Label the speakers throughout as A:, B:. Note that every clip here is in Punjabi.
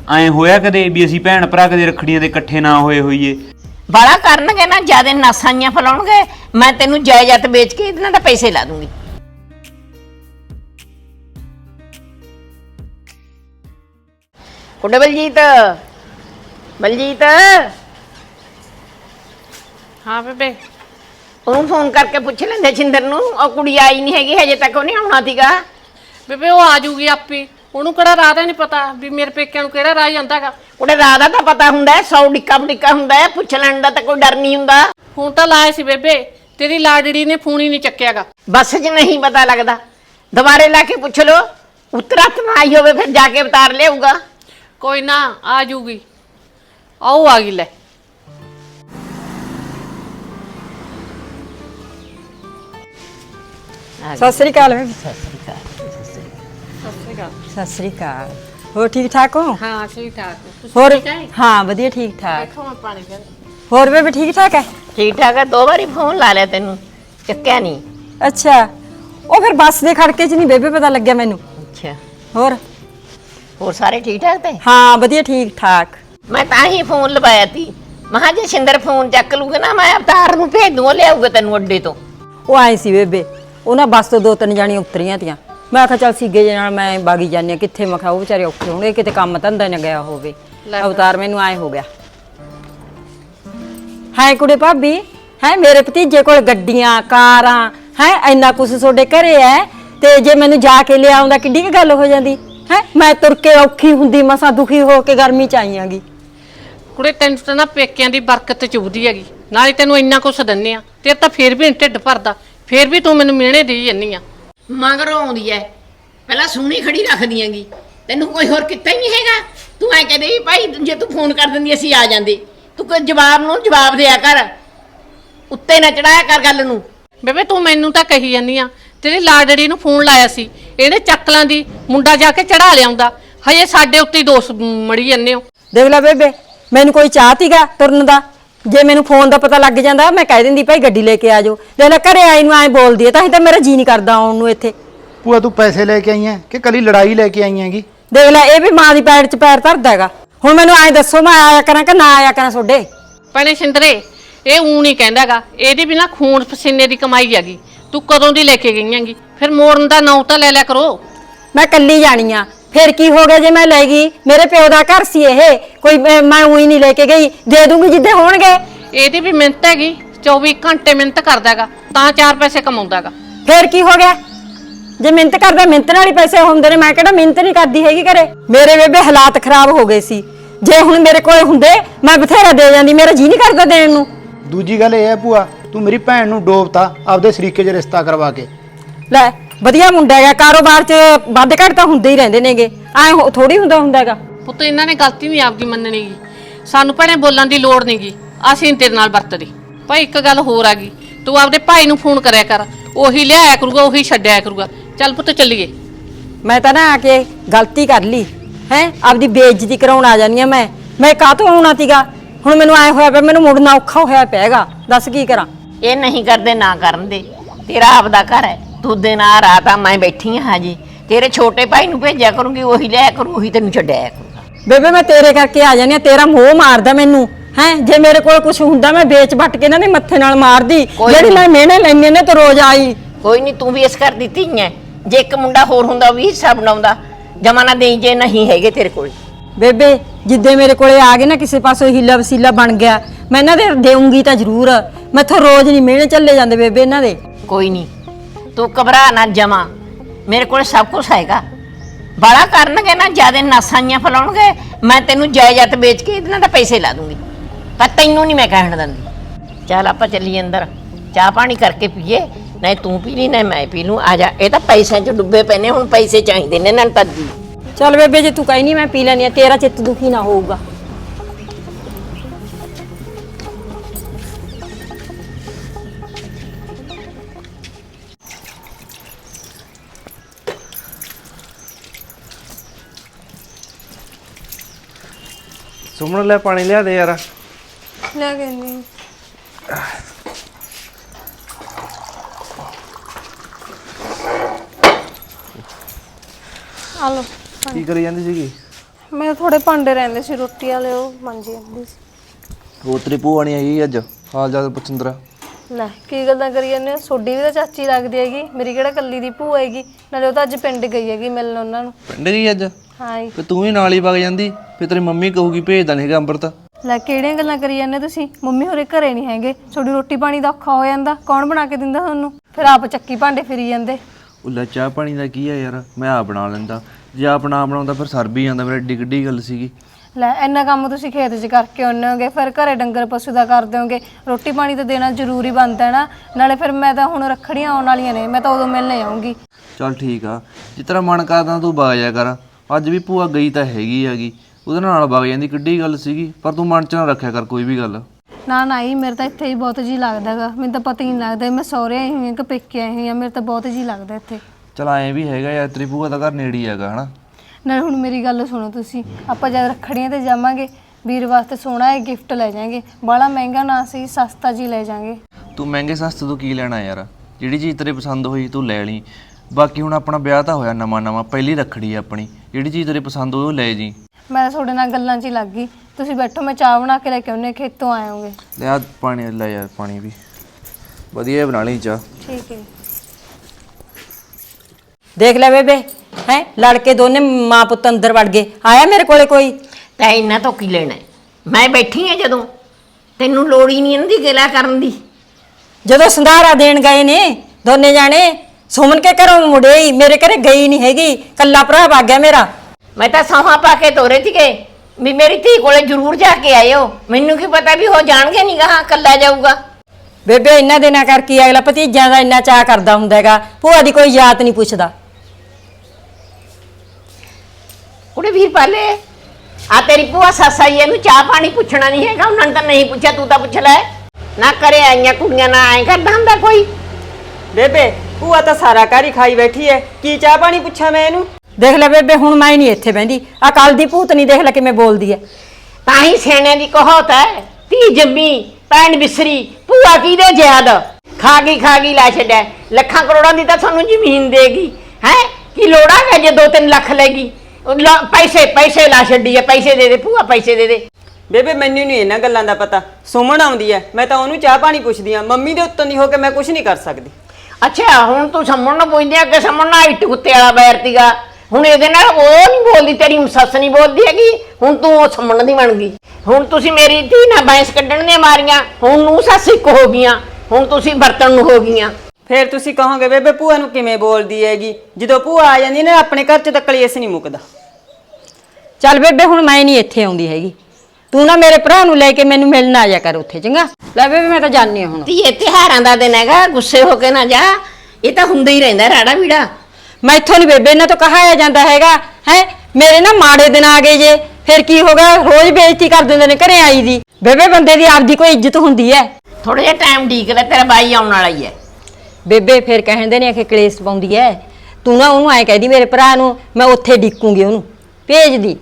A: ਐ ਹੋਇਆ ਕਦੇ ਵੀ ਅਸੀਂ ਭੈਣ ਭਰਾ ਕਦੇ ਰੱਖੜੀਆਂ ਦੇ ਇਕੱਠੇ ਨਾ ਹੋਏ ਹੋਈਏ?
B: ਬਾਲਾ ਕਰਨਗੇ ਨਾ, ਜਿਆਦੇ ਨਾਸਾਈਆਂ ਫਲਾਉਣਗੇ, ਮੈਂ ਤੈਨੂੰ ਜਾਇਦਾਦ ਵੇਚ ਕੇ ਇਹਨਾਂ ਦਾ ਪੈਸੇ ਲਾ ਦੂੰਗੀ। ਕੁੜੇ ਬਲਜੀਤ, ਬਲਜੀਤ।
C: ਹਾਂ ਬੇਬੇ।
B: ਉਹਨੂੰ ਫੋਨ ਕਰਕੇ ਪੁੱਛ ਲੈਂਦੇ ਛਿੰਦਰ ਨੂੰ, ਉਹ ਕੁੜੀ ਆਈ ਨਹੀਂ ਹੈਗੀ ਹਜੇ ਤੱਕ, ਉਹਨੇ ਆਉਣਾ ਸੀਗਾ।
C: ਬੇਬੇ ਉਹ ਆ ਜੂਗੀ ਆਪੇ, ਉਹਨੂੰ ਕਿਹੜਾ ਰਾਹ ਦਾ ਨਹੀਂ ਪਤਾ ਵੀ ਮੇਰੇ ਪੇਕਿਆਂ ਨੂੰ ਕਿਹੜਾ ਰਾਹ ਜਾਂਦਾਗਾ।
B: ਕੁੜੇ ਰਾਹ ਦਾ ਤਾਂ ਪਤਾ ਹੁੰਦਾ, 100 ਡਿੱਕਾ ਬੜਿੱਕਾ ਹੁੰਦਾ ਹੈ, ਪੁੱਛ ਲੈਣ ਦਾ ਤਾਂ ਕੋਈ ਡਰ ਨਹੀਂ ਹੁੰਦਾ।
C: ਹੁਣ ਤਾਂ ਲਾਇਆ ਸੀ ਬੇਬੇ, ਤੇਰੀ ਲਾਡੜੀ ਨੇ ਫੋਨ ਹੀ ਨਹੀਂ ਚੱਕਿਆਗਾ।
B: ਬੱਸ 'ਚ ਨਹੀਂ ਪਤਾ ਲੱਗਦਾ, ਦੁਬਾਰੇ ਲਾ ਕੇ ਪੁੱਛ ਲੋ, ਉਤਰਾਤ ਨਾ ਆਈ ਹੋਵੇ ਫਿਰ ਜਾ ਕੇ ਉਤਾਰ ਲਿਆਊਗਾ।
C: ਕੋਈ ਨਾ ਆ ਜੂਗੀ, ਆਓ ਆ ਗਈ ਲੈ।
D: ਸਤਿ ਸ੍ਰੀ ਅਕਾਲ ਬੇਬੇ।
B: ਸਤਿ ਸ੍ਰੀ ਅਕਾਲ।
D: ਸਤਿ ਸ੍ਰੀ ਅਕਾਲ। ਹੋਰ ਠੀਕ ਠਾਕ ਹੋ?
C: ਹਾਂ ਠੀਕ ਠਾਕ। ਤੁਸੀਂ
D: ਹੋਰ
C: ਠੀਕ ਹੈ?
D: ਹਾਂ ਵਧੀਆ ਠੀਕ ਠਾਕ।
C: ਬੈਠੋ ਮੈਂ ਪਾਣੀ ਪੀਣ।
D: ਹੋਰ ਬੇਬੇ ਠੀਕ ਠਾਕ ਹੈ?
B: ਠੀਕ ਠਾਕ ਹੈ, 2 ਵਾਰੀ ਫੋਨ ਲਾ ਲਿਆ ਤੈਨੂੰ, ਚੱਕਿਆ ਨਹੀਂ।
D: ਅੱਛਾ, ਉਹ ਫਿਰ ਬੱਸ ਦੇ ਖੜਕੇ 'ਚ ਨਹੀਂ ਬੇਬੇ ਪਤਾ ਲੱਗਿਆ ਮੈਨੂੰ।
B: ਅੱਛਾ,
D: ਹੋਰ
B: ਹੋਰ ਸਾਰੇ ਠੀਕ ਠਾਕ ਤੇ?
D: ਹਾਂ ਵਧੀਆ ਠੀਕ ਠਾਕ।
B: ਮੈਂ ਤਾਂ ਹੀ ਫੋਨ ਲਵਾਇਆ ਤੀ, ਮਹਾਂ ਜੇ ਸ਼ਿੰਦਰ ਫੋਨ ਚੱਕ ਲੂਗੇ ਨਾ, ਮੈਂ ਅਵਤਾਰ ਨੂੰ ਭੇਜ ਦੂੰ, ਉਹ ਲਿਆਊਗਾ ਤੈਨੂੰ ਅੱਡੇ ਤੋਂ।
D: ਉਹ ਆਏ ਸੀ ਬੇਬੇ, ਉਹਨਾਂ ਬੱਸ ਤੋਂ 2-3 ਜਾਣੀਆਂ ਉਤਰੀਆਂ ਤੀਆਂ। ਮੈਂ ਆਖਿਆ ਚੱਲ ਸੀਗੇ ਜੇ ਨਾਲ ਮੈਂ ਬਾਗੀ ਜਾਂਦੀ ਹਾਂ, ਕਿੱਥੇ ਮੈਂ ਕਿਹਾ ਉਹ ਵਿਚਾਰੇ ਔਖੇ ਹੋਣਗੇ, ਕਿਤੇ ਕੰਮ ਧੰਦਾ ਨਾ ਗਿਆ ਹੋਵੇ। ਅਵਤਾਰ ਮੈਨੂੰ ਆਏ ਹੋ ਗਿਆ। ਹੈ ਕੁੜੇ ਭਾਬੀ, ਹੈ ਮੇਰੇ ਭਤੀਜੇ ਕੋਲ ਗੱਡੀਆਂ ਕਾਰਾਂ ਹੈ, ਇੰਨਾ ਕੁਛ ਤੁਹਾਡੇ ਘਰੇ ਐ, ਤੇ ਜੇ ਮੈਨੂੰ ਜਾ ਕੇ ਲਿਆਉਂਦਾ ਕਿੱਡੀ ਕੁ ਗੱਲ ਹੋ ਜਾਂਦੀ ਹੈ। ਮੈਂ ਤੁਰ ਕੇ ਔਖੀ ਹੁੰਦੀ, ਮਸਾਂ ਦੁਖੀ ਹੋ ਕੇ ਗਰਮੀ ਚ ਆਈ ਆਂਗੀ।
C: ਕੁੜੇ ਤੈਨੂੰ ਤਾਂ ਨਾ ਪੇਕਿਆਂ ਦੀ ਬਰਕਤ ਚੁਬਦੀ ਹੈਗੀ, ਨਾਲੇ ਤੈਨੂੰ ਇੰਨਾ ਕੁਛ ਦਿੰਨੇ ਆ, ਤੇ ਤਾਂ ਫੇਰ ਵੀ ਨੀ ਢਿੱਡ ਭਰਦਾ, ਫੇਰ ਵੀ ਤੂੰ ਮੈਨੂੰ ਮਿਹਣੇ ਦੇਈ ਜੰਨੀ ਆ।
B: ਮਗਰੋਂ ਆਉਂਦੀ ਐ, ਪਹਿਲਾਂ ਸੁਣੀ ਖੜੀ ਰੱਖਦੀ ਆਂਗੀ, ਤੈਨੂੰ ਕੋਈ ਹੋਰ ਕਿੱਤਾ ਹੀ ਨਹੀਂ ਹੈਗਾ। ਤੂੰ ਐ ਕਹਦੇ ਵੀ ਭਾਈ ਜੇ ਤੂੰ ਫੋਨ ਕਰ ਦਿੰਦੀ ਅਸੀਂ ਆ ਜਾਂਦੇ, ਤੂੰ ਕੋਈ ਜਵਾਬ ਨੂੰ ਜਵਾਬ ਦਿਆ ਕਰ, ਉੱਤੇ ਨਾ ਚੜਾਇਆ ਕਰ ਗੱਲ ਨੂੰ।
C: ਬੇਬੇ ਤੂੰ ਮੈਨੂੰ ਤਾਂ ਕਹੀ ਜੰਨੀ ਆ, ਤੇਰੀ ਲਾਡੜੀ ਨੂੰ ਫੋਨ ਲਾਇਆ ਸੀ, ਇਹਨੇ ਚੱਕਲਾਂ ਦੀ ਮੁੰਡਾ ਜਾ ਕੇ ਚੜਾ ਲਿਆਉਂਦਾ, ਹਜੇ ਸਾਡੇ ਉੱਤੇ ਦੋਸ਼ ਮੜੀ ਜੰਨੇ ਹੋ।
D: ਦੇਖ ਲੈ ਬੇਬੇ, ਮੈਨੂੰ ਕੋਈ ਚਾਹ ਤੀਗਾ ਤੁਰਨ ਦਾ, ਜੇ ਮੈਨੂੰ ਫੋਨ ਦਾ ਪਤਾ ਲੱਗ ਜਾਂਦਾ ਮੈਂ ਕਹਿ ਦਿੰਦੀ ਭਾਈ ਗੱਡੀ ਲੈ ਕੇ ਆ ਜਾਓ। ਦੇਖ ਲੈ ਘਰੇ ਆਈ ਨੂੰ ਐਂ ਬੋਲਦੀ ਐ, ਤਾਂ ਹੀ ਤਾਂ ਮੇਰਾ ਜੀ ਨਹੀਂ ਕਰਦਾ ਆਉਣ ਨੂੰ ਇੱਥੇ।
E: ਭੂਆ ਤੂੰ ਪੈਸੇ ਲੈ ਕੇ ਆਈ ਐ ਕਿ ਕੱਲੀ ਲੜਾਈ ਲੈ ਕੇ ਆਈ ਹੈਗੀ?
D: ਦੇਖ ਲੈ ਇਹ ਵੀ ਮਾਂ ਦੀ ਪੈੜ 'ਚ ਪੈਰ ਧਰਦਾ ਹੈਗਾ। ਹੁਣ ਮੈਨੂੰ ਐਂ ਦੱਸੋ, ਮੈਂ ਆਇਆ ਕਰਾਂ ਕਿ ਨਾ ਆਇਆ ਕਰਾਂ ਤੁਹਾਡੇ?
C: ਭੈਣੇ ਸਿੰਦਰੇ, ਇਹ ਊਂ ਨਹੀਂ ਕਹਿੰਦਾਗਾ, ਇਹਦੀ ਵੀ ਨਾ ਖੂਨ ਪਸੀਨੇ ਦੀ ਕਮਾਈ ਹੈਗੀ। ਤੂੰ ਕਦੋਂ ਦੀ ਲੈ ਕੇ ਗਈ ਹੈਗੀ, ਫਿਰ ਮੋੜਨ ਦਾ ਨਾਂ ਤਾਂ ਲੈ ਲਿਆ ਕਰੋ।
D: ਮੈਂ ਕੱਲੀ ਜਾਣੀ ਆ, ਫਿਰ ਕੀ ਹੋ ਗਿਆ ਜੇ ਮੈਂ ਲੈ ਗਈ? ਮੇਰੇ ਪਿਓ ਦਾ ਘਰ ਸੀ ਇਹ, ਕੋਈ ਮੈਂ ਉਹੀ ਨਹੀਂ ਲੈ ਕੇ ਗਈ, ਦੇ ਦੂੰਗੀ ਜਿੱਦੇ ਹੋਣਗੇ।
C: ਇਹਦੀ ਵੀ ਮਿਹਨਤ ਹੈਗੀ, 24 ਘੰਟੇ ਮਿਹਨਤ ਕਰਦਾਗਾ ਤਾਂ 4 ਪੈਸੇ ਕਮਾਉਂਦਾਗਾ।
D: ਫਿਰ ਕੀ ਹੋ ਗਿਆ ਜੇ ਮਿਹਨਤ ਕਰਦਾ? ਮਿਹਨਤ ਨਾਲ ਹੀ ਪੈਸੇ ਹੁੰਦੇ ਨੇ, ਮੈਂ ਕਿਹੜਾ ਮਿਹਨਤ ਨਹੀਂ ਕਰਦੀ ਹੈਗੀ ਘਰੇ। ਮੇਰੇ ਬੇਬੇ ਹਾਲਾਤ ਖਰਾਬ ਹੋ ਗਏ ਸੀ, ਜੇ ਹੁਣ ਮੇਰੇ ਕੋਲ ਹੁੰਦੇ ਮੈਂ ਬਥੇਰਾ ਦੇ ਜਾਂਦੀ, ਮੇਰਾ ਜੀ ਨਹੀਂ ਕਰਦਾ ਦੇਣ ਨੂੰ।
E: ਦੂਜੀ ਗੱਲ ਇਹ ਹੈ ਭੂਆ, ਤੂੰ ਮੇਰੀ ਭੈਣ ਨੂੰ ਡੋਬਤਾ ਆਪਦੇ ਸਰੀਕੇ 'ਚ ਰਿਸ਼ਤਾ ਕਰਵਾ ਕੇ।
D: ਲੈ ਵਧੀਆ ਮੁੰਡਾ ਹੈਗਾ, ਕਾਰੋਬਾਰ 'ਚ ਵੱਧ ਘੱਟ ਤਾਂ ਹੁੰਦੇ ਹੀ ਰਹਿੰਦੇ ਨੇਗੇ, ਐ ਥੋੜੀ ਹੁੰਦਾ ਹੈਗਾ।
C: ਪੁੱਤ ਇਹਨਾਂ ਨੇ ਗਲਤੀ ਨਹੀਂ ਆਪਦੀ ਮੰਨਣੀਗੀ, ਸਾਨੂੰ ਭੈਣੇ ਬੋਲਣ ਦੀ ਲੋੜ ਨਹੀਂਗੀ, ਅਸੀਂ ਨੀ ਤੇਰੇ ਨਾਲ ਵਰਤਦੇ। ਭਾਈ ਇੱਕ ਗੱਲ ਹੋਰ ਆ ਗਈ, ਤੂੰ ਆਪਦੇ ਭਾਈ ਨੂੰ ਫੋਨ ਕਰਿਆ ਕਰ, ਉਹੀ ਲਿਆਇਆ ਕਰੂਗਾ, ਉਹੀ ਛੱਡਿਆ ਕਰੂਗਾ। ਚੱਲ ਪੁੱਤ ਚੱਲੀਏ।
D: ਮੈਂ ਤਾਂ ਨਾ ਆ ਕੇ ਗਲਤੀ ਕਰ ਲਈ ਹੈ, ਆਪਦੀ ਬੇਇੱਜ਼ਤੀ ਕਰਾਉਣ ਆ ਜਾਨੀ ਆ। ਮੈਂ ਕਾਹਤੋਂ ਆਉਣਾ ਸੀਗਾ? ਹੁਣ ਮੈਨੂੰ ਐ ਹੋਇਆ ਪਿਆ, ਮੈਨੂੰ ਮੁੜਨਾ ਔਖਾ ਹੋਇਆ ਪਿਆਗਾ, ਦੱਸ ਕੀ ਕਰਾਂ?
B: ਇਹ ਨਹੀਂ ਕਰਦੇ ਨਾ ਕਰਨ ਦੇ, ਤੇਰਾ ਆਪਦਾ ਘਰ ਹੈ, ਤੂੰ ਦਿਨ ਆ ਰਾਤ ਆ ਮੈਂ ਬੈਠੀ ਹਾਂ ਜੀ, ਤੇਰੇ ਛੋਟੇ ਭਾਈ ਨੂੰ ਭੇਜਿਆ ਕਰੂੰਗੀ, ਉਹੀ ਲਿਆ ਕਰੂ, ਉਹੀ ਤੈਨੂੰ ਛੱਡਿਆ ਕਰੂਗਾ।
D: ਬੇਬੇ ਮੈਂ ਤੇਰੇ ਕਰਕੇ ਆ ਜਾਨੀ ਆ, ਤੇਰਾ ਮੋਹ ਮਾਰਦਾ ਮੈਨੂੰ ਹੈ। ਜੇ ਮੇਰੇ ਕੋਲ ਕੁਝ ਹੁੰਦਾ ਮੈਂ ਵੇਚ ਵੱਟ ਕੇ ਇਹਨਾਂ ਦੇ ਮੱਥੇ ਨਾਲ ਮਾਰਦੀ, ਜਿਹੜੀ ਮੈਂ ਮਿਹਣੇ ਲੈਣੀ ਨੇ ਤੇ ਰੋਜ਼ ਆਈ।
B: ਕੋਈ ਨਹੀਂ, ਤੂੰ ਵੀ ਇਸ ਘਰ ਦੀ ਧੀ ਹੈ, ਜੇ ਇੱਕ ਮੁੰਡਾ ਹੋਰ ਹੁੰਦਾ ਉਹ ਵੀ ਹਿੱਸਾ ਬਣਾਉਂਦਾ। ਜਮਾਨਾ ਦੇਈ ਜੇ ਨਹੀਂ ਹੈਗੇ ਤੇਰੇ ਕੋਲ।
D: ਬੇਬੇ ਜਿੱਦੇ ਮੇਰੇ ਕੋਲੇ ਆ ਗਏ ਨਾ, ਕਿਸੇ ਪਾਸੋਂ ਹੀਲਾ ਵਸੀਲਾ ਬਣ ਗਿਆ, ਮੈਂ ਇਹਨਾਂ ਦੇ ਦੇਊਂਗੀ ਤਾਂ ਜ਼ਰੂਰ। ਮੈਥੋਂ ਰੋਜ਼ ਨਹੀਂ ਮਿਹਣੇ ਚੱਲੇ ਜਾਂਦੇ ਬੇਬੇ ਇਹਨਾਂ ਦੇ।
B: ਕੋਈ ਨਹੀਂ, ਤੂੰ ਘਬਰਾ ਨਾ ਜਮਾ, ਮੇਰੇ ਕੋਲ ਸਭ ਕੁਝ ਹੈਗਾ। ਬਾਲਾ ਕਰਨਗੇ ਨਾ, ਜਿਆਦੇ ਨਾਸਾਈਆਂ ਫਲਾਉਣਗੇ, ਮੈਂ ਤੈਨੂੰ ਜਾਇਦਾਦ ਵੇਚ ਕੇ ਇਹਨਾਂ ਦਾ ਪੈਸੇ ਲਾ ਦੂੰਗੀ, ਪਰ ਤੈਨੂੰ ਨਹੀਂ ਮੈਂ ਕਹਿਣ ਦਿੰਦੀ। ਚੱਲ ਆਪਾਂ ਚੱਲੀਏ ਅੰਦਰ, ਚਾਹ ਪਾਣੀ ਕਰਕੇ ਪੀਏ, ਨਾ ਤੂੰ ਪੀ ਲਈ ਨਾ ਮੈਂ ਪੀ ਲੂੰ। ਆ ਜਾ, ਇਹ ਤਾਂ ਪੈਸਿਆਂ 'ਚ ਡੁੱਬੇ ਪਏ ਨੇ, ਹੁਣ ਪੈਸੇ ਚਾਹੀਦੇ ਨੇ ਇਹਨਾਂ ਨੂੰ ਤਾਂ ਜੀ।
D: ਚੱਲ ਬੇਬੇ ਜੇ ਤੂੰ ਕਹੀ ਨਹੀਂ ਮੈਂ ਪੀ ਲੈਣੀ ਆ, ਤੇਰਾ ਚਿੱਤ ਦੁਖੀ ਨਾ ਹੋਊਗਾ।
F: ਸੁਮਨ ਲੈ ਪਾਣੀ ਲਿਆ ਦੇ ਯਾਰ।
G: ਲੈ ਕੇ ਨਹੀਂ ਆ ਲੋ।
F: ਕੀ ਕਰੀ ਜਾਂਦੀ ਸੀਗੀ?
G: ਮੈਂ ਥੋੜੇ ਭਾਂਡੇ ਰਹਿੰਦੇ ਸੀ ਰੋਟੀ ਵਾਲੇ, ਉਹ ਮਾਂਜੀ ਜਾਂਦੀ ਸੀ।
F: ਉਹ ਤੇਰੀ ਭੂਆ ਨਹੀਂ ਆਈ ਅੱਜ, ਹਾਲ ਚਾਲ ਪੁੱਛਣ ਤੇਰਾ।
G: ਲੈ ਕੀ ਗੱਲਾਂ ਕਰੀ ਜਾਂਦੇ ਹੋ? ਸੋਡੀ ਵੀ ਤਾਂ ਚਾਚੀ ਲੱਗਦੀ ਹੈਗੀ, ਮੇਰੀ ਕਿਹੜਾ ਕੱਲੀ ਦੀ ਭੂਆ ਹੈਗੀ। ਨਾਲੇ ਉਹ ਤਾਂ ਅੱਜ ਪਿੰਡ ਗਈ ਹੈਗੀ ਮਿਲਣ ਉਹਨਾਂ ਨੂੰ।
F: ਪਿੰਡ ਗਈ ਅੱਜ?
G: ਹਾਂ ਜੀ।
F: ਤੇ ਤੂੰ ਵੀ ਨਾਲ ਹੀ ਵਗ ਜਾਂਦੀ, ਫਿਰ ਤੇਰੀ ਮੰਮੀ ਕਹੂਗੀ ਭੇਜਦਾ ਨਹੀਂ ਹੈਗਾ ਅੰਮ੍ਰਿਤ।
G: ਲੈ ਕਿਹੜੀਆਂ ਗੱਲਾਂ ਕਰੀ ਜਾਂਦੇ ਤੁਸੀਂ? ਮੰਮੀ ਹੋਰੇ ਘਰੇ ਨਹੀਂ ਹੈਗੇ, ਤੁਹਾਡੀ ਰੋਟੀ ਪਾਣੀ ਦਾ ਔਖਾ ਹੋ ਜਾਂਦਾ, ਕੌਣ ਬਣਾ ਕੇ ਦਿੰਦਾ ਤੁਹਾਨੂੰ? ਫਿਰ ਆਪ ਚੱਕੀ ਭਾਂਡੇ ਫਿਰੀ ਜਾਂਦੇ।
F: ਉਹ ਲੈ ਚਾਹ ਪਾਣੀ ਦਾ ਕੀ ਆ ਯਾਰ, ਮੈਂ ਆਪ ਬਣਾ ਲੈਂਦਾ। ਜੇ ਆਪ ਨਾ ਬਣਾਉਂਦਾ ਫਿਰ ਸਰ ਵੀ ਜਾਂਦਾ, ਫਿਰ ਏਡੀ ਕਿੱਡੀ ਗੱਲ ਸੀਗੀ।
G: ਲੈ ਇੰਨਾ ਕੰਮ ਤੁਸੀਂ ਖੇਤ 'ਚ ਕਰਕੇ ਆਉਂਦੇ ਹੋਗੇ, ਫਿਰ ਘਰੇ ਡੰਗਰ ਪਸ਼ੂ ਦਾ ਕਰਦੇ ਹੋਗੇ, ਰੋਟੀ ਪਾਣੀ ਤਾਂ ਦੇਣਾ ਜ਼ਰੂਰੀ ਬਣਦਾ ਨਾ। ਨਾਲੇ ਫਿਰ ਮੈਂ ਤਾਂ ਹੁਣ ਰੱਖੜੀਆਂ ਆਉਣ ਵਾਲੀਆਂ ਨੇ, ਮੈਂ ਤਾਂ ਉਦੋਂ ਮਿਲਣ ਜਾਊਂਗੀ।
F: ਚੱਲ ਠੀਕ ਆ, ਜਿਸ ਤਰ੍ਹਾਂ ਮਨ ਕਰਦਾ ਤੂੰ ਵਗ ਜਾ ਕਰ। ਅੱਜ ਵੀ ਭੂਆ ਗਈ ਤਾਂ ਹੈਗੀ, ਉਹਦੇ ਨਾਲ ਵਗ ਜਾਂਦੀ, ਕਿੱਡੀ ਗੱਲ ਸੀਗੀ। ਪਰ ਤੂੰ ਮਨ 'ਚ ਨਾ ਰੱਖਿਆ ਕਰ ਕੋਈ ਵੀ ਗੱਲ।
G: ਨਾ ਹੀ ਮੇਰੇ ਤਾਂ ਇੱਥੇ ਹੀ ਬਹੁਤ ਜੀ ਲੱਗਦਾਗਾ, ਮੈਨੂੰ ਤਾਂ ਪਤਾ ਹੀ ਨਹੀਂ ਲੱਗਦਾ ਮੈਂ ਸਹੁਰੇ ਆਈ ਹੋਈ ਹਾਂ ਕਿ ਪੇਕੇ ਆਈ ਹੋਈ ਹਾਂ, ਮੇਰੇ ਤਾਂ ਬਹੁਤ ਜੀ ਲੱਗਦਾ ਇੱਥੇ।
F: ਚਲ ਐਂ ਵੀ ਹੈਗਾ ਯਾਰ, ਤੇਰੀ ਭੂਆ ਦਾ ਘਰ ਨੇੜੇ ਹੀ ਹੈਗਾ ਹਨਾ।
G: ਨਾਲੇ ਹੁਣ ਮੇਰੀ ਗੱਲ ਸੁਣੋ ਤੁਸੀਂ, ਆਪਾਂ ਜਦ ਰੱਖੜੀਆਂ ਤੇ ਜਾਵਾਂਗੇ ਵੀਰ ਵਾਸਤੇ ਸੋਹਣਾ ਇਹ ਗਿਫਟ ਲੈ ਜਾਾਂਗੇ, ਬਾਹਲਾ ਮਹਿੰਗਾ ਨਾ ਸੀ, ਸਸਤਾ ਜੀ ਲੈ ਜਾਾਂਗੇ।
F: ਤੂੰ ਮਹਿੰਗੇ ਸਸਤੇ ਤੋਂ ਕੀ ਲੈਣਾ ਯਾਰ, ਜਿਹੜੀ ਚੀਜ਼ ਤੇਰੇ ਪਸੰਦ ਹੋਈ ਤੂੰ ਲੈ ਲਈ। ਬਾਕੀ ਹੁਣ ਆਪਣਾ ਵਿਆਹ ਤਾਂ ਹੋਇਆ ਨਵਾਂ, ਪਹਿਲੀ ਰੱਖੜੀ ਆ ਆਪਣੀ, ਜਿਹੜੀ ਚੀਜ਼ ਤੇਰੇ ਪਸੰਦ ਹੋਈ ਉਹ ਲੈ ਜੀ।
G: ਮੈਂ ਤਾਂ ਤੁਹਾਡੇ ਨਾਲ ਗੱਲਾਂ 'ਚ ਹੀ ਲੱਗ ਗਈ, ਤੁਸੀਂ ਬੈਠੋ ਮੈਂ ਚਾਹ ਬਣਾ ਕੇ ਲੈ ਕੇ ਆਉਂਦੇ, ਖੇਤੋਂ ਆਏ ਹੋਗੇ।
F: ਲੈ ਆ ਪਾਣੀ ਲੈ ਯਾਰ, ਪਾਣੀ ਵੀ ਵਧੀਆ ਬਣਾ ਲਈ ਚਾਹ।
G: ਠੀਕ ਹੈ।
D: ਦੇਖ ਲੈ ਬੇਬੇ, ਹੈ ਲੜਕੇ ਦੋਨੇ ਮਾਂ ਪੁੱਤ ਅੰਦਰ ਵੜ ਗਏ। ਆਇਆ ਮੇਰੇ ਕੋਲੇ ਕੋਈ?
B: ਤੈਂ ਇਹਨਾਂ ਤੋਂ ਕੀ ਲੈਣਾ ਹੈ? ਮੈਂ ਬੈਠੀ ਆ ਜਦੋਂ, ਤੈਨੂੰ ਲੋੜ ਹੀ ਨਹੀਂ ਇਹਨਾਂ ਦੀ ਗਿਲਾ ਕਰਨ ਦੀ।
D: ਜਦੋਂ ਸੰਧਾਰਾ ਦੇਣ ਗਏ ਨੇ ਦੋਨੇ ਜਾਣੇ, ਸੁਮਨ ਕੇ ਘਰੋਂ ਮੁੜੇ ਹੀ, ਮੇਰੇ ਘਰੇ ਗਈ ਨਹੀਂ ਹੈਗੀ, ਕੱਲਾ ਭਰਾ ਵਗ ਗਿਆ ਮੇਰਾ।
B: ਮੈਂ ਤਾਂ ਸੌਹਾਂ ਪਾ ਕੇ ਤੋਰੇ ਸੀਗੇ ਵੀ ਮੇਰੀ ਧੀ ਕੋਲੇ ਜ਼ਰੂਰ ਜਾ ਕੇ ਆਇਓ, ਮੈਨੂੰ ਕੀ ਪਤਾ ਵੀ ਹੋ ਜਾਣਗੇ ਨਹੀਂ ਗਾਹਾਂ ਕੱਲਾ ਜਾਊਗਾ।
D: ਬੇਬੇ ਇੰਨਾ ਦਿਨਾਂ ਕਰ ਕੀ ਅਗਲਾ ਭਤੀਜਿਆਂ ਦਾ ਇੰਨਾ ਚਾਅ ਕਰਦਾ ਹੁੰਦਾ ਹੈਗਾ, ਭੂਆ ਦੀ ਕੋਈ ਯਾਦ ਨਹੀਂ ਪੁੱਛਦਾ।
B: ਕੁੜੇ ਵੀਰ ਪਾਲੇ ਆ ਤੇਰੀ ਭੂਆ ਸੱਸ ਆਈ, ਇਹਨੂੰ ਚਾਹ ਪਾਣੀ ਪੁੱਛਣਾ ਨਹੀਂ ਹੈਗਾ, ਉਹਨਾਂ ਨੇ ਤਾਂ ਨਹੀਂ ਪੁੱਛਿਆ, ਤੂੰ ਤਾਂ ਪੁੱਛ ਲੈ ਨਾ। ਕਰੇ ਆਈਆਂ ਕੁੜੀਆਂ ਨਾ ਐਂ ਕਰਦਾ ਹੁੰਦਾ ਕੋਈ।
H: ਬੇਬੇ ਭੂਆ ਤਾਂ ਸਾਰਾ ਘਰ ਹੀ ਖਾਈ ਬੈਠੀ ਐ, ਕੀ ਚਾਹ ਪਾਣੀ ਪੁੱਛਾਂ ਮੈਂ ਇਹਨੂੰ?
D: ਦੇਖ ਲੈ ਬੇਬੇ, ਹੁਣ ਮੈਂ ਨਹੀਂ ਇੱਥੇ ਬਹਿੰਦੀ, ਆ ਕੱਲ ਦੀ ਭੂਤਨੀ ਦੇਖ ਲੈ ਕਿਵੇਂ ਬੋਲਦੀ ਐ।
B: ਤਾਂ ਹੀ ਸਿਆਣਿਆਂ ਦੀ ਕਹਾਵਤ ਹੈ, ਧੀ ਜੰਮੀ ਭੈਣ ਬਿਸਰੀ, ਭੂਆ ਕਿਹਦੇ ਯਾਦ। ਖਾ ਗਈ ਲੈ ਛੱਡਿਆ, ਲੱਖਾਂ ਕਰੋੜਾਂ ਦੀ ਤਾਂ ਤੁਹਾਨੂੰ ਜ਼ਮੀਨ ਦੇਗੀ ਹੈ, ਕੀ ਲੋੜਾ ਹੈ ਜੇ 2-3 ਲੱਖ ਲੈਗੀ। ਪੈਸੇ ਲਾ ਛੱਡੀ ਐ, ਪੈਸੇ ਦੇ ਦੇ ਭੂਆ, ਪੈਸੇ ਦੇ ਦੇ।
H: ਬੇਬੇ ਮੈਨੂੰ ਨਹੀਂ ਇਹਨਾਂ ਗੱਲਾਂ ਦਾ ਪਤਾ, ਸੁਮਨ ਆਉਂਦੀ ਐ, ਮੈਂ ਤਾਂ ਉਹਨੂੰ ਚਾਹ ਪਾਣੀ ਪੁੱਛਦੀ ਆ, ਮੰਮੀ ਦੇ ਉੱਤੋਂ ਦੀ ਹੋ ਕੇ ਮੈਂ ਕੁਝ ਨਹੀਂ ਕਰ ਸਕਦੀ।
B: ਅੱਛਾ ਹੁਣ ਤੂੰ ਸਮਣ ਨੂੰ ਪੁੱਛਦੀ ਆ ਕਿ ਸਮਣ ਨਾਲ ਇੱਟ ਕੁੱਤੇ ਵਾਲਾ ਬੈਰ ਤੀਗਾ, ਹੁਣ ਇਹਦੇ ਨਾਲ ਉਹ ਨਹੀਂ ਬੋਲਦੀ, ਤੇਰੀ ਸੱਸ ਨਹੀਂ ਬੋਲਦੀ ਹੈਗੀ, ਹੁਣ ਤੂੰ ਉਹ ਸਮਣ ਦੀ ਬਣ ਗਈ। ਹੁਣ ਤੁਸੀਂ ਮੇਰੀ ਧੀ ਨਾਲ ਬੈਂਸ ਕੱਢਣ ਦੀਆਂ ਮਾਰੀਆਂ, ਹੁਣ ਨੂੰ ਸੱਸ ਇੱਕ ਹੋ ਗਈਆਂ, ਹੁਣ ਤੁਸੀਂ ਬਰਤਨ ਨੂੰ ਹੋ ਗਈਆਂ।
H: ਫੇਰ ਤੁਸੀਂ ਕਹੋਗੇ ਬੇਬੇ ਭੂਆ ਨੂੰ ਕਿਵੇਂ ਬੋਲਦੀ ਹੈਗੀ, ਜਦੋਂ ਭੂਆ ਆ ਜਾਂਦੀ ਨਾ ਆਪਣੇ ਘਰ 'ਚ ਤਾਂ ਕਲੇਸ਼ ਨਹੀਂ ਮੁੱਕਦਾ।
D: ਚੱਲ ਬੇਬੇ ਹੁਣ ਮੈਂ ਨਹੀਂ ਇੱਥੇ ਆਉਂਦੀ ਹੈਗੀ, ਤੂੰ ਨਾ ਮੇਰੇ ਭਰਾ ਨੂੰ ਲੈ ਕੇ ਮੈਨੂੰ ਮਿਲਣ ਆ ਜਾ ਕਰ ਉੱਥੇ, ਚੰਗਾ? ਲੈ ਬੇਬੇ ਮੈਂ ਤਾਂ ਜਾਣੀ ਆ ਹੁਣ।
B: ਧੀਏ ਤਿਉਹਾਰਾਂ ਦਾ ਦਿਨ ਹੈਗਾ, ਗੁੱਸੇ ਹੋ ਕੇ ਨਾ ਜਾ, ਇਹ ਤਾਂ ਹੁੰਦਾ ਹੀ ਰਹਿੰਦਾ ਰਾੜਾ ਵੀੜਾ।
D: ਮੈਥੋਂ ਨਹੀਂ ਬੇਬੇ ਇਹਨਾਂ ਤੋਂ ਕਹਾਇਆ ਜਾਂਦਾ ਹੈਗਾ ਹੈ, ਮੇਰੇ ਨਾ ਮਾੜੇ ਦਿਨ ਆ ਗਏ ਜੇ, ਫਿਰ ਕੀ ਹੋ ਗਿਆ? ਰੋਜ਼ ਬੇਇੱਜ਼ਤੀ ਕਰ ਦਿੰਦੇ ਨੇ ਘਰੇ ਆਈ ਦੀ। ਬੇਬੇ ਬੰਦੇ ਦੀ ਆਪਦੀ ਕੋਈ ਇੱਜ਼ਤ ਹੁੰਦੀ ਹੈ।
B: ਥੋੜਾ ਜਿਹਾ ਟਾਈਮ ਢੀਕ ਲੈ, ਤੇਰਾ ਬਾਈ ਆਉਣ ਵਾਲਾ ਹੀ ਹੈ।
D: ਬੇਬੇ ਫਿਰ ਕਹਿੰਦੇ ਨੇ ਕਿ ਕਲੇਸ਼ ਪਾਉਂਦੀ ਐ, ਤੂੰ ਨਾ ਉਹਨੂੰ ਐ ਕਹਿਦੀ ਮੇਰੇ ਭਰਾ ਨੂੰ ਮੈਂ ਉੱਥੇ ਡਿੱਕੂਗੀ, ਉਹਨੂੰ ਭੇਜ ਦੀ।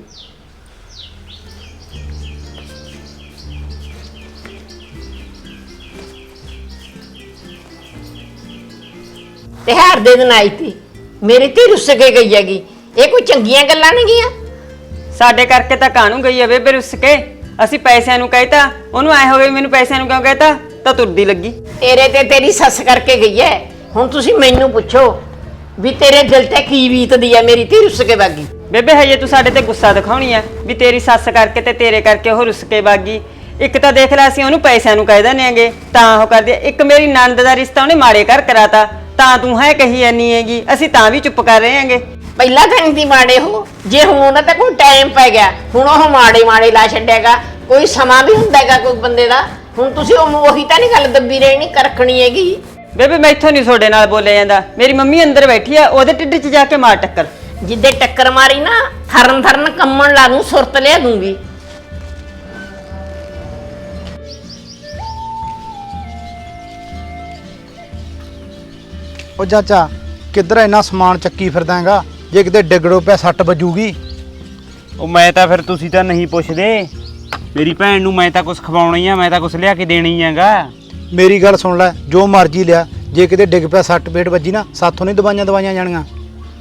B: ਤਿਉਹਾਰ ਦੇ ਦਿਨ ਆਈ ਤੀ, ਮੇਰੀ ਧੀ ਰੁੱਸ ਕੇ ਗਈ ਹੈਗੀ, ਇਹ ਕੋਈ ਚੰਗੀਆਂ ਗੱਲਾਂ ਨਹੀਂ ਗੀਆਂ।
H: ਸਾਡੇ ਕਰਕੇ ਤਾਂ ਕਾਹਨੂੰ ਗਈ ਐ ਬੇਬੇ ਰੁੱਸ ਕੇ, ਅਸੀਂ ਪੈਸਿਆਂ ਨੂੰ ਕਹਿਤਾ, ਉਹਨੂੰ ਐ ਹੋ ਗਈ ਮੈਨੂੰ ਪੈਸਿਆਂ ਨੂੰ ਕਿਉਂ ਕਹਿਤਾ, ਤਾਂ ਤੁਰਦੀ ਲੱਗੀ।
B: ਤੇਰੇ ਤੇ ਤੇਰੀ ਸੱਸ ਕਰਕੇ ਗਈ ਹੈ, ਹੁਣ ਤੁਸੀਂ ਮੈਨੂੰ ਪੁੱਛੋ ਵੀ ਤੇਰੇ ਦਿਲ ਤੇ ਕੀ ਬੀਤਦੀ ਹੈ, ਮੇਰੀ ਧੀ ਰੁੱਸ ਕੇ ਵਾਗੀ।
H: ਬੇਬੇ ਹਜੇ ਤੂੰ ਸਾਡੇ ਤੇ ਗੁੱਸਾ ਦਿਖਾਉਣੀ ਐ ਵੀ ਤੇਰੀ ਸੱਸ ਕਰਕੇ ਤੇ ਤੇਰੇ ਕਰਕੇ ਉਹ ਰੁੱਸ ਕੇ ਵਾਗੀ। ਇੱਕ ਤਾਂ ਦੇਖ ਲੈ ਅਸੀਂ ਉਹਨੂੰ ਪੈਸਿਆਂ ਨੂੰ ਕਹਿ ਦਿੰਦੇ ਆਂਗੇ ਤਾਂ ਉਹ ਕਰਦੀ, ਇੱਕ ਮੇਰੀ ਨਣਦ ਦਾ ਰਿਸ਼ਤਾ ਉਹਨੇ ਮਾੜੇ ਘਰ ਕਰਾਤਾ ਤਾਂ ਤੂੰ ਹੈ ਕਹੀ ਜਾਨੀ ਹੈਗੀ, ਅਸੀਂ ਤਾਂ ਵੀ ਚੁੱਪ ਕਰ ਰਹੇ ਆਂਗੇ।
B: ਪਹਿਲਾਂ ਤਾਂ ਨਹੀਂ ਮਾੜੇ ਹੋ, ਜੇ ਹੁਣ ਉਹਨਾਂ ਤੇ ਕੋਈ ਟਾਈਮ ਪੈ ਗਿਆ, ਹੁਣ ਉਹ ਮਾੜੇ ਲਾ ਛੱਡੇਗਾ, ਕੋਈ ਸਮਾਂ ਵੀ ਹੁੰਦਾ ਹੈਗਾ ਕੋਈ ਬੰਦੇ ਦਾ। ਹੁਣ ਤੁਸੀਂ ਉਹੀ ਤਾਂ ਨਹੀਂ ਗੱਲ ਦੱਬੀ ਰਹਿਣੀ ਕਰਖਣੀ ਹੈਗੀ।
H: ਬੇਬੇ ਮੈਥੋਂ ਨਹੀਂ ਤੁਹਾਡੇ ਨਾਲ ਬੋਲਿਆ ਜਾਂਦਾ, ਮੇਰੀ ਮੰਮੀ ਅੰਦਰ ਬੈਠੀ ਆ, ਉਹਦੇ ਢਿੱਡ 'ਚ ਜਾ ਕੇ ਮਾਰ ਟੱਕਰ।
B: ਜਿੱਦੇ ਟੱਕਰ ਮਾਰੀ ਨਾ ਥਰਨ ਕੰਮਣ ਲਾ ਦੂੰ, ਸੁਰਤ ਲਿਆ ਦੂੰਗੀ।
E: ਉਹ ਚਾਚਾ ਕਿੱਧਰ ਇੰਨਾ ਸਮਾਨ ਚੱਕੀ ਫਿਰਦਾ ਹੈਗਾ, ਜੇ ਕਿਤੇ ਡਿੱਗੜੋ ਪਿਆ ਸੱਟ ਵੱਜੂਗੀ।
A: ਉਹ ਮੈਂ ਤਾਂ ਫਿਰ ਤੁਸੀਂ ਤਾਂ ਨਹੀਂ ਪੁੱਛਦੇ, ਮੇਰੀ ਭੈਣ ਨੂੰ ਮੈਂ ਤਾਂ ਕੁਝ ਖਵਾਉਣਾ ਹੀ ਆ, ਮੈਂ ਤਾਂ ਕੁਝ ਲਿਆ ਕੇ ਦੇਣੀ ਹੈਗਾ।
E: ਮੇਰੀ ਗੱਲ ਸੁਣ ਲੈ, ਜੋ ਮਰਜ਼ੀ ਲਿਆ, ਜੇ ਕਿਤੇ ਡਿੱਗ ਪਿਆ ਸੱਟ ਪੇਟ ਵੱਜੀ ਨਾ, ਸਾਥੋਂ ਨਹੀਂ ਦਵਾਈਆਂ ਜਾਣੀਆਂ।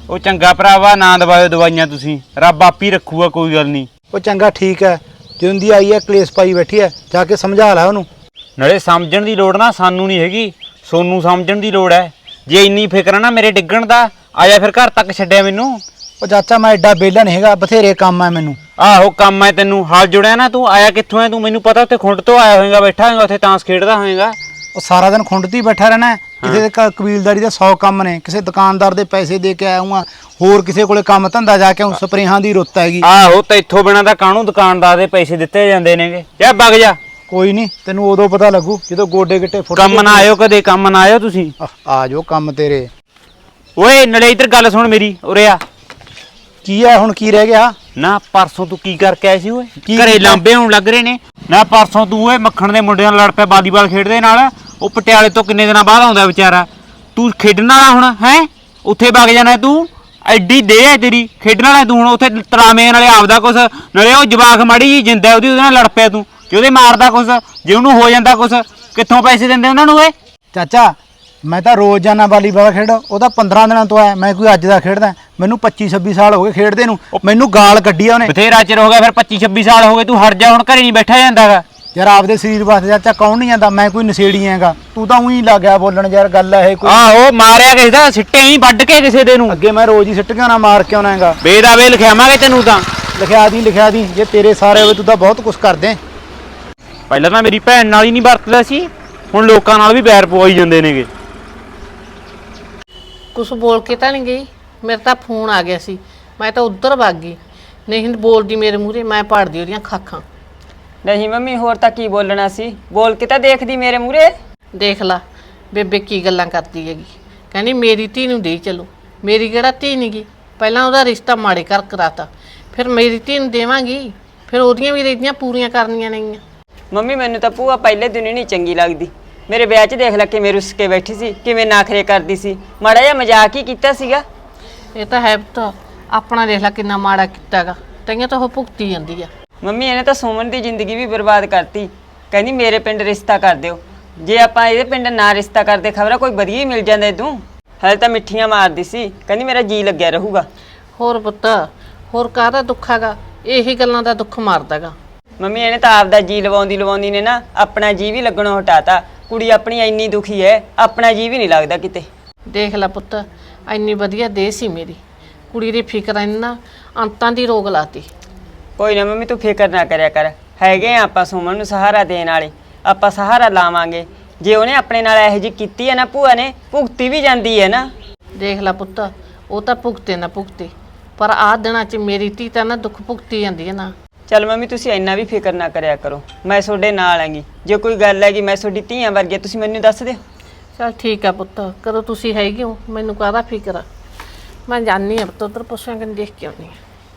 A: ਉਹ ਚੰਗਾ ਭਰਾਵਾ ਨਾ ਦਵਾਇਓ ਦਵਾਈਆਂ ਤੁਸੀਂ, ਰੱਬ ਆਪੀ ਰੱਖੂਗਾ, ਕੋਈ ਗੱਲ ਨਹੀਂ।
E: ਉਹ ਚੰਗਾ ਠੀਕ ਹੈ, ਜਦੋਂ ਦੀ ਆਈ ਹੈ ਕਲੇਸ਼ ਪਾਈ ਬੈਠੀ ਹੈ, ਜਾ ਕੇ ਸਮਝਾ ਲੈ ਉਹਨੂੰ।
A: ਨਾਲੇ ਸਮਝਣ ਦੀ ਲੋੜ ਨਾ ਸਾਨੂੰ ਨਹੀਂ ਹੈਗੀ, ਸੋਨੂੰ ਸਮਝਣ ਦੀ ਲੋੜ ਹੈ। ਜੇ ਇੰਨੀ ਫਿਕਰ ਆ ਨਾ ਮੇਰੇ ਡਿੱਗਣ ਦਾ, ਆਇਆ ਫਿਰ ਘਰ ਤੱਕ ਛੱਡਿਆ ਮੈਨੂੰ।
E: ਉਹ ਚਾਚਾ ਮੈਂ ਐਡਾ ਵਿਹਲਾ ਨਹੀਂ ਹੈਗਾ, ਬਥੇਰੇ ਕੰਮ ਆ ਮੈਨੂੰ।
A: ਆਹੋ ਕੰਮ ਹੈ ਤੈਨੂੰ, ਹਾਲ ਜੁੜਿਆ ਨਾ ਤੂੰ, ਆਇਆ ਕਿੱਥੋਂ ਹੈ ਤੂੰ? ਮੈਨੂੰ ਪਤਾ ਉੱਥੇ ਖੁੰਡ ਤੋਂ ਆਇਆ ਹੋਏਗਾ, ਬੈਠਾ ਹੋਏਗਾ ਉੱਥੇ ਤਾਂਸ ਖੇਡਦਾ ਹੋਏਗਾ।
E: ਉਹ ਸਾਰਾ ਦਿਨ ਖੁੰਡ 'ਤੇ ਹੀ ਬੈਠਾ ਰਹਿਣਾ ਹੈ। ਕਿਸੇ ਦੇ ਕਬੀਲਦਾਰੀ ਦੇ 100 ਕੰਮ ਨੇ, ਕਿਸੇ ਦੁਕਾਨਦਾਰ ਦੇ ਪੈਸੇ ਦੇ ਕੇ ਆਇਆ ਹੂੰ, ਹੋਰ ਕਿਸੇ ਕੋਲੇ ਕੰਮ ਧੰਦਾ ਜਾ ਕੇ, ਸਪਰੇਹਾਂ ਦੀ ਰੁੱਤ ਹੈਗੀ।
A: ਆਹੋ ਤੇ ਇੱਥੋਂ ਬਿਨਾਂ ਤਾਂ ਕਾਹਨੂੰ ਦੁਕਾਨਦਾਰ ਦੇ ਪੈਸੇ ਦਿੱਤੇ ਜਾਂਦੇ ਨੇਗੇ। ਜਾ ਵਗ ਜਾ।
E: ਕੋਈ ਨਹੀਂ, ਤੈਨੂੰ ਉਦੋਂ ਪਤਾ ਲੱਗੂ ਜਦੋਂ ਗੋਡੇ ਗਿੱਟੇ ਫੁੱਟ
A: ਕੰਮ ਨਾ ਆਇਓ ਕਦੇ, ਕੰਮ ਨਾ ਆਇਓ ਤੁਸੀਂ।
E: ਆ ਜਾਓ ਕੰਮ ਤੇਰੇ।
A: ਓਏ ਨੜੇ ਇੱਧਰ ਗੱਲ ਸੁਣ ਮੇਰੀ, ਉਰੇ ਆ।
E: ਕੀ ਹੈ ਹੁਣ, ਕੀ ਰਹਿ ਗਿਆ?
A: ਨਾ ਪਰਸੋਂ ਤੂੰ ਕੀ ਕਰਕੇ ਆਇਆ ਸੀ ਓਏ?
E: ਕੀ
A: ਘਰੇ
E: ਕੀਤਾ?
A: ਲਾਂਬੇ ਹੋਣ ਲੱਗ ਰਹੇ ਨੇ। ਨਾ ਪਰਸੋਂ ਤੂੰ ਓਏ ਮੱਖਣ ਦੇ ਮੁੰਡਿਆਂ ਨਾਲ ਲੜ ਪਿਆ ਵਾਲੀਬਾਲ ਖੇਡਦੇ ਨਾਲ। ਉਹ ਪਟਿਆਲੇ ਤੋਂ ਕਿੰਨੇ ਦਿਨਾਂ ਬਾਅਦ ਆਉਂਦਾ ਵਿਚਾਰਾ। ਤੂੰ ਖੇਡਣ ਵਾਲਾ ਹੁਣ ਹੈ? ਉੱਥੇ ਵਗ ਜਾਣਾ ਤੂੰ, ਐਡੀ ਦੇਹ ਹੈ ਤੇਰੀ, ਖੇਡਣ ਵਾਲਾ ਤੂੰ ਹੁਣ ਉੱਥੇ ਤਰਾਵੇਂ ਨਾਲੇ ਆਪਦਾ ਕੁਛ, ਨਾਲੇ ਉਹ ਜਵਾਕ ਮਾੜੀ ਜੀ ਜਿੰਦਾ ਉਹਦੇ ਨਾਲ ਲੜ ਪਿਆ ਤੂੰ, ਜੇ ਉਹਦੇ ਮਾਰਦਾ ਕੁਛ, ਜੇ ਉਹਨੂੰ ਹੋ ਜਾਂਦਾ ਕੁਛ, ਕਿੱਥੋਂ ਪੈਸੇ ਦਿੰਦੇ ਉਹਨਾਂ ਨੂੰ ਓਏ?
E: ਚਾਚਾ ਮੈਂ ਤਾਂ ਰੋਜ਼ ਜਾਣਾ ਵਾਲੀਬਾਲ ਖੇਡ, ਉਹ ਤਾਂ 15 ਦਿਨਾਂ ਤੋਂ ਆਇਆ, ਮੈਂ ਕੋਈ ਅੱਜ ਦਾ ਖੇਡਦਾ। ਮੈਨੂੰ 25-26 ਸਾਲ ਹੋ ਗਏ ਖੇਡਦੇ ਨੂੰ, ਮੈਨੂੰ ਗਾਲ ਕੱਢੀ ਆ ਉਹਨੇ।
A: ਬਥੇਰਾ ਚਿਰ ਹੋ ਗਿਆ ਫਿਰ, 25-26 ਸਾਲ ਹੋ ਗਏ, ਤੂੰ ਹਟ ਜਾ ਹੁਣ, ਘਰੇ ਨਹੀਂ ਬੈਠਾ ਜਾਂਦਾਗਾ।
E: ਯਾਰ ਆਪਦੇ ਸਰੀਰ ਵਾਸਤੇ ਚਾਚਾ ਕੌਣ ਨਹੀਂ ਜਾਂਦਾ, ਮੈਂ ਕੋਈ ਨਸ਼ੇੜੀ ਹੈਗਾ, ਤੂੰ ਤਾਂ ਉਹੀ ਲੱਗ ਗਿਆ ਬੋਲਣ। ਯਾਰ ਗੱਲ ਹੈ ਕੋਈ।
A: ਆਹੋ ਮਾਰਿਆ ਕਿਸੇ ਦਾ, ਸਿੱਟੇ ਹੀ ਵੱਢ ਕੇ ਕਿਸੇ ਦੇ ਨੂੰ।
E: ਅੱਗੇ ਮੈਂ ਰੋਜ਼ ਹੀ ਸਿੱਟ ਕੇ ਆਉਣਾ, ਮਾਰ ਕੇ ਆਉਣਾ ਹੈਗਾ।
A: ਬੇਦਾਵੇ ਲਿਖਿਆਵਾਂਗੇ ਤੈਨੂੰ ਤਾਂ।
E: ਲਿਖਿਆ ਦੀ ਜੇ ਤੇਰੇ ਸਾਰੇ ਹੋਵੇ, ਤੂੰ ਤਾਂ ਬਹੁਤ ਕੁਝ ਕਰਦੇ।
A: ਪਹਿਲਾਂ ਤਾਂ ਮੇਰੀ ਭੈਣ ਨਾਲ ਹੀ ਨਹੀਂ ਵਰਤਦਾ ਸੀ, ਹੁਣ ਲੋਕਾਂ ਨਾਲ ਵੀ ਬੈਰ ਪਵਾਈ ਜਾਂਦੇ ਨੇਗੇ।
C: ਕੁਛ ਬੋਲ ਕੇ ਤਾਂ ਨਹੀਂ ਗਈ, ਮੇਰਾ ਤਾਂ ਫੋਨ ਆ ਗਿਆ ਸੀ, ਮੈਂ ਤਾਂ ਉੱਧਰ ਭੱਗ ਗਈ। ਨਹੀਂ ਬੋਲਦੀ ਮੇਰੇ ਮੂਹਰੇ, ਮੈਂ ਪਾੜਦੀ ਉਹਦੀਆਂ ਖਾਖਾਂ।
H: ਨਹੀਂ ਮੰਮੀ, ਹੋਰ ਤਾਂ ਕੀ ਬੋਲਣਾ ਸੀ, ਬੋਲ ਕੇ ਤਾਂ ਦੇਖਦੀ ਮੇਰੇ ਮੂਹਰੇ।
C: ਦੇਖ ਲਾ ਬੇਬੇ ਕੀ ਗੱਲਾਂ ਕਰਦੀ ਹੈਗੀ, ਕਹਿੰਦੀ ਮੇਰੀ ਧੀ ਨੂੰ ਦੇ ਚਲੋ। ਮੇਰੀ ਕਿਹੜਾ ਧੀ ਨਹੀਂ ਗੀ, ਪਹਿਲਾਂ ਉਹਦਾ ਰਿਸ਼ਤਾ ਮਾੜੇ ਕਰ ਕਰਾਤਾ, ਫਿਰ ਮੇਰੀ ਧੀ ਨੂੰ ਦੇਵਾਂਗੀ, ਫਿਰ ਉਹਦੀਆਂ ਵੀ ਰੀਝਾਂ ਪੂਰੀਆਂ ਕਰਨੀਆਂ ਨੇਗੀਆਂ।
H: ਮੰਮੀ ਮੈਨੂੰ ਤਾਂ ਭੂਆ ਪਹਿਲੇ ਦਿਨ ਹੀ ਨਹੀਂ ਚੰਗੀ ਲੱਗਦੀ। ਮੇਰੇ ਵਿਆਹ 'ਚ ਦੇਖ ਲੈ ਕਿਵੇਂ ਰੁੱਸ ਕੇ ਬੈਠੀ ਸੀ, ਕਿਵੇਂ ਨਾਖਰੇ ਕਰਦੀ ਸੀ, ਮਾੜਾ ਜਿਹਾ ਮਜ਼ਾਕ ਹੀ ਕੀਤਾ ਸੀਗਾ।
C: ਇਹ ਤਾਂ ਹੈ ਪੁੱਤ, ਆਪਣਾ ਦੇਖ ਲੈ ਕਿੰਨਾ ਮਾੜਾ ਕੀਤਾਗਾ, ਤਈਆਂ ਤਾਂ ਉਹ ਭੁਗਤੀ ਜਾਂਦੀ ਆ।
H: ਮੰਮੀ ਇਹਨੇ ਤਾਂ ਸੁਮਨ ਦੀ ਜ਼ਿੰਦਗੀ ਵੀ ਬਰਬਾਦ ਕਰਤੀ। ਕਹਿੰਦੀ ਮੇਰੇ ਪਿੰਡ ਰਿਸ਼ਤਾ ਕਰ ਦਿਓ, ਜੇ ਆਪਾਂ ਇਹਦੇ ਪਿੰਡ ਨਾ ਰਿਸ਼ਤਾ ਕਰਦੇ ਖਬਰਾਂ ਕੋਈ ਵਧੀਆ ਹੀ ਮਿਲ ਜਾਂਦਾ ਤੂੰ। ਹਲੇ ਤਾਂ ਮਿੱਠੀਆਂ ਮਾਰਦੀ ਸੀ, ਕਹਿੰਦੀ ਮੇਰਾ ਜੀ ਲੱਗਿਆ ਰਹੂਗਾ।
C: ਹੋਰ ਪੁੱਤ, ਹੋਰ ਕਾਹਦਾ ਦੁੱਖ ਹੈਗਾ, ਇਹੀ ਗੱਲਾਂ ਦਾ ਦੁੱਖ ਮਾਰਦਾਗਾ।
H: ਮੰਮੀ ਇਹਨੇ ਤਾਂ ਆਪਦਾ ਜੀ ਲਵਾਉਂਦੀ ਨੇ ਨਾ ਆਪਣਾ ਜੀ ਵੀ ਲੱਗਣੋਂ ਹਟਾਤਾ। ਕੁੜੀ ਆਪਣੀ ਇੰਨੀ ਦੁਖੀ ਹੈ, ਆਪਣਾ ਜੀ ਵੀ ਨਹੀਂ ਲੱਗਦਾ ਕਿਤੇ।
C: ਦੇਖ ਲੈ ਪੁੱਤ, ਇੰਨੀ ਵਧੀਆ ਦੇਹ ਸੀ ਮੇਰੀ, ਕੁੜੀ ਦੀ ਫਿਕਰ ਇੰਨਾ ਅੰਤਾਂ ਦੀ ਰੋਗ ਲਾਤੀ।
H: ਕੋਈ ਨਾ ਮੰਮੀ ਤੂੰ ਫਿਕਰ ਨਾ ਕਰਿਆ ਕਰ, ਹੈਗੇ ਆ ਆਪਾਂ ਸੁਮਨ ਨੂੰ ਸਹਾਰਾ ਦੇਣ ਵਾਲੇ, ਆਪਾਂ ਸਹਾਰਾ ਲਾਵਾਂਗੇ। ਜੇ ਉਹਨੇ ਆਪਣੇ ਨਾਲ ਇਹੋ ਜਿਹੀ ਕੀਤੀ ਹੈ ਨਾ ਭੂਆ ਨੇ, ਭੁਗਤੀ ਵੀ ਜਾਂਦੀ ਹੈ ਨਾ।
C: ਦੇਖ ਲੈ ਪੁੱਤ, ਉਹ ਤਾਂ ਭੁਗਤੇ ਨਾ ਭੁਗਤੇ, ਪਰ ਆਹ ਦਿਨਾਂ 'ਚ ਮੇਰੀ ਧੀ ਤਾਂ ਨਾ ਦੁੱਖ ਭੁਗਤੀ ਜਾਂਦੀ ਹੈ ਨਾ।
H: ਚੱਲ ਮੰਮੀ ਤੁਸੀਂ ਇੰਨਾ ਵੀ ਫਿਕਰ ਨਾ ਕਰਿਆ ਕਰੋ, ਮੈਂ ਤੁਹਾਡੇ ਨਾਲ ਆਂਗੀ। ਜੇ ਕੋਈ ਗੱਲ ਹੈਗੀ ਮੈਂ ਤੁਹਾਡੀ ਧੀਆਂ ਵਰਗੀ, ਤੁਸੀਂ ਮੈਨੂੰ ਦੱਸ ਦਿਓ।
C: ਚਲ ਠੀਕ ਆ ਪੁੱਤ, ਕਦੋਂ ਤੁਸੀਂ ਹੈਗੇ ਹੋ, ਮੈਨੂੰ ਕਾਹਦਾ ਫਿਕਰ ਆ। ਮੈਂ ਜਾਣੀ ਆ ਪੁੱਤ, ਉੱਧਰ ਪੁੱਛਾਂ ਕਿ ਦੇਖ ਕੇ ਆਉਣੀ ਆ।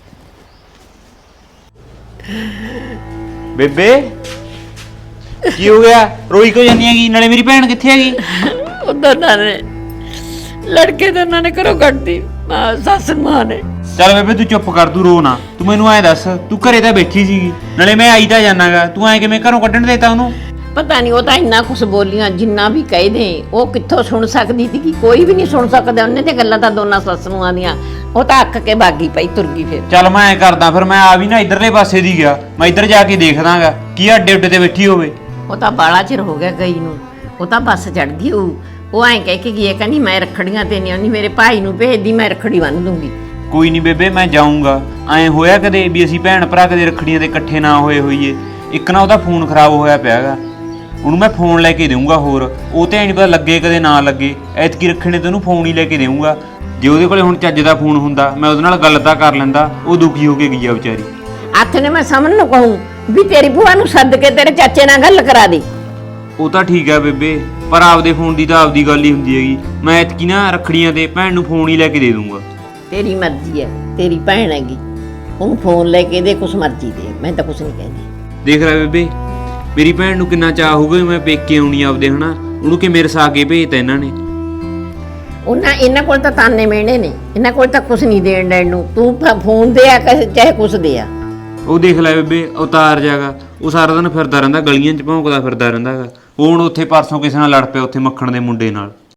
A: ਬੇਬੇ ਕੀ ਹੋ ਗਿਆ, ਰੋਈ ਕਿਉਂ ਜਾਂਦੀ ਹੈਗੀ? ਨਾਲੇ ਮੇਰੀ ਭੈਣ ਕਿੱਥੇ ਹੈਗੀ?
B: ਉਧਰ ਨਾ ਨੇ ਲੜਕੇ ਤਾਂ ਉਹਨਾਂ ਨੇ ਘਰੋਂ ਕੱਢਦੀ, ਸੱਸ ਮਾਂ ਨੇ।
A: ਚੱਲ ਬੇਬੇ ਤੂੰ ਚੁੱਪ ਕਰ, ਤੂੰ ਰੋ ਨਾ। ਤੂੰ ਮੈਨੂੰ ਐ ਦੱਸ, ਤੂੰ ਘਰੇ ਤਾਂ ਬੈਠੀ ਸੀਗੀ, ਨਾਲੇ ਮੈਂ ਆਈ ਤਾਂ ਜਾਣਾਗਾ, ਤੂੰ ਐ ਕਿਵੇਂ ਘਰੋਂ ਕੱਢਣ ਦੇਤਾ ਉਹਨੂੰ?
B: ਪਤਾ ਨਹੀਂ, ਉਹ ਤਾਂ ਇੰਨਾ ਕੁਛ ਬੋਲੀਆਂ, ਜਿੰਨਾ ਵੀ ਕਹਿ ਦੇ ਉਹ ਕਿੱਥੋਂ ਸੁਣ ਸਕਦੀ ਸੀ, ਕੋਈ ਵੀ ਨਹੀਂ ਸੁਣ ਸਕਦਾ। ਉਹਨੇ ਤੇ ਗੱਲਾਂ ਤਾਂ ਦੋਨਾਂ ਸੱਸ ਨੂੰਹਾਂ ਦੀਆਂ, ਉਹ ਤਾਂ ਅੱਕ ਕੇ ਬਾਗੀ ਪਈ ਤੁਰ ਗਈ। ਫਿਰ
A: ਚੱਲ ਮੈਂ ਐ ਕਰਦਾ, ਫਿਰ ਮੈਂ ਆ ਵੀ ਨਾ ਇਧਰਲੇ ਪਾਸੇ ਦੀ ਗਿਆ, ਮੈਂ ਇੱਧਰ ਜਾ ਕੇ ਦੇਖਦਾਗਾ ਕੀ ਅੱਡੇ ਉੱਡੇ ਤੇ ਬੈਠੀ ਹੋਵੇ।
B: ਉਹ ਤਾਂ ਬਾਲਾ ਚਿਰ ਹੋ ਗਿਆ ਗਈ ਨੂੰ, ਉਹ ਤਾਂ ਬੱਸ ਚੜ ਗਈ। ਉਹ ਐਂ ਕਹਿ ਕੇ ਗਈ, ਕਹਿੰਦੀ ਮੈਂ ਰੱਖੜੀਆਂ ਤੇ ਨਹੀਂ ਆਉਂਦੀ, ਮੇਰੇ ਭਾਈ ਨੂੰ ਭੇਜਦੀ, ਮੈਂ ਰੱਖੜੀ ਬੰਨ੍ਹ ਦੂੰਗੀ।
A: ਕੋਈ ਨਹੀਂ ਬੇਬੇ, ਮੈਂ ਜਾਊਂਗਾ। ਐ ਹੋਇਆ ਕਦੇ ਵੀ ਅਸੀਂ ਭੈਣ ਭਰਾ ਕਦੇ ਰੱਖੜੀਆਂ ਤੇ ਇਕੱਠੇ ਨਾ ਹੋਏ ਹੋਈਏ? ਇੱਕ ਨਾ ਉਹਦਾ ਫੋਨ ਖਰਾਬ ਹੋਇਆ ਪਿਆਗਾ, ਉਹਨੂੰ ਮੈਂ ਫੋਨ ਲੈ ਕੇ ਦੇਊਂਗਾ। ਹੋਰ ਉਹ ਤੇ ਨਹੀਂ ਪਤਾ ਲੱਗੇ ਕਦੇ ਨਾ ਲੱਗੇ, ਐਤਕੀ ਰੱਖਣੇ ਤੇ ਉਹਨੂੰ ਫੋਨ ਹੀ ਲੈ ਕੇ ਦੇਊਂਗਾ। ਜੇ ਉਹਦੇ ਕੋਲੇ ਹੁਣ ਚੱਜ ਦਾ ਫੋਨ ਹੁੰਦਾ, ਮੈਂ ਉਹਦੇ ਨਾਲ ਗੱਲ ਤਾਂ ਕਰ ਲੈਂਦਾ। ਉਹ ਦੁਖੀ ਹੋ ਕੇ ਗਈ ਆ ਵਿਚਾਰੀ।
B: ਹੱਥ ਨੇ ਮੈਂ ਸਮਨ ਨੂੰ ਕਹੂੰ ਵੀ ਤੇਰੀ ਭੂਆ ਨੂੰ ਸੱਦ ਕੇ ਤੇਰੇ ਚਾਚੇ ਨਾਲ ਗੱਲ ਕਰਾ ਦੇ।
A: ਉਹ ਤਾਂ ਠੀਕ ਆ ਬੇਬੇ, ਪਰ ਆਪਦੇ ਫੋਨ ਦੀ ਤਾਂ ਆਪਦੀ ਗੱਲ ਹੀ ਹੁੰਦੀ ਹੈਗੀ। ਮੈਂ ਐਤਕੀ ਨਾ ਰੱਖੜੀਆਂ ਤੇ ਭੈਣ ਨੂੰ ਫੋਨ ਹੀ ਲੈ ਕੇ ਦੇ ਦੂੰਗਾ।
B: ਤੇਰੀ ਮਰਜ਼ੀ ਹੈ, ਤੇਰੀ ਭੈਣ ਹੈਗੀ, ਉਹਨੂੰ ਫੋਨ ਲੈ ਕੇ ਦੇ, ਕੁਛ ਮਰਜ਼ੀ ਦੇ, ਮੈਂ ਤਾਂ ਕੁਛ ਨਹੀਂ ਕਹਿੰਦੀ।
A: ਦੇਖ ਲੈ ਬੇਬੇ, ਮੇਰੀ ਭੈਣ ਨੂੰ ਕਿੰਨਾ ਚਾਹ ਹੋਊਗਾ ਮੈਂ ਪੇਕੇ ਆਉਣੀ ਆਪਦੇ, ਹਨਾ? ਉਹਨੂੰ ਕਿਵੇਂ ਰਸਾ ਕੇ ਭੇਜਤਾ ਇਹਨਾਂ ਨੇ।
B: ਇਹਨਾਂ ਕੋਲ ਤਾਂ ਤਾਨੇ ਮਿਹਣੇ ਨੇ, ਇਹਨਾਂ ਕੋਲ ਤਾਂ ਕੁਛ ਨਹੀਂ ਦੇਣ ਦੇਣ ਨੂੰ। ਤੂੰ ਫੋਨ ਦੇ ਆ ਚਾਹੇ ਕੁਛ ਦੇ ਆ।
A: ਉਹ ਦੇਖ ਲੈ ਬੇਬੇ, ਉਤਾਰ ਜਾਗਾ, ਉਹ ਸਾਰਾ ਦਿਨ ਫਿਰਦਾ ਰਹਿੰਦਾ, ਗਲੀਆਂ 'ਚ ਭੌਂਕਦਾ ਫਿਰਦਾ ਰਹਿੰਦਾ ਹੈਗਾ। ਉਹ ਹੁਣ ਉੱਥੇ ਪਰਸੋਂ ਕਿਸੇ ਨਾਲ ਲੜ ਪਿਆ, ਉੱਥੇ ਮੱਖਣ ਦੇ ਮੁੰਡੇ ਨਾਲ।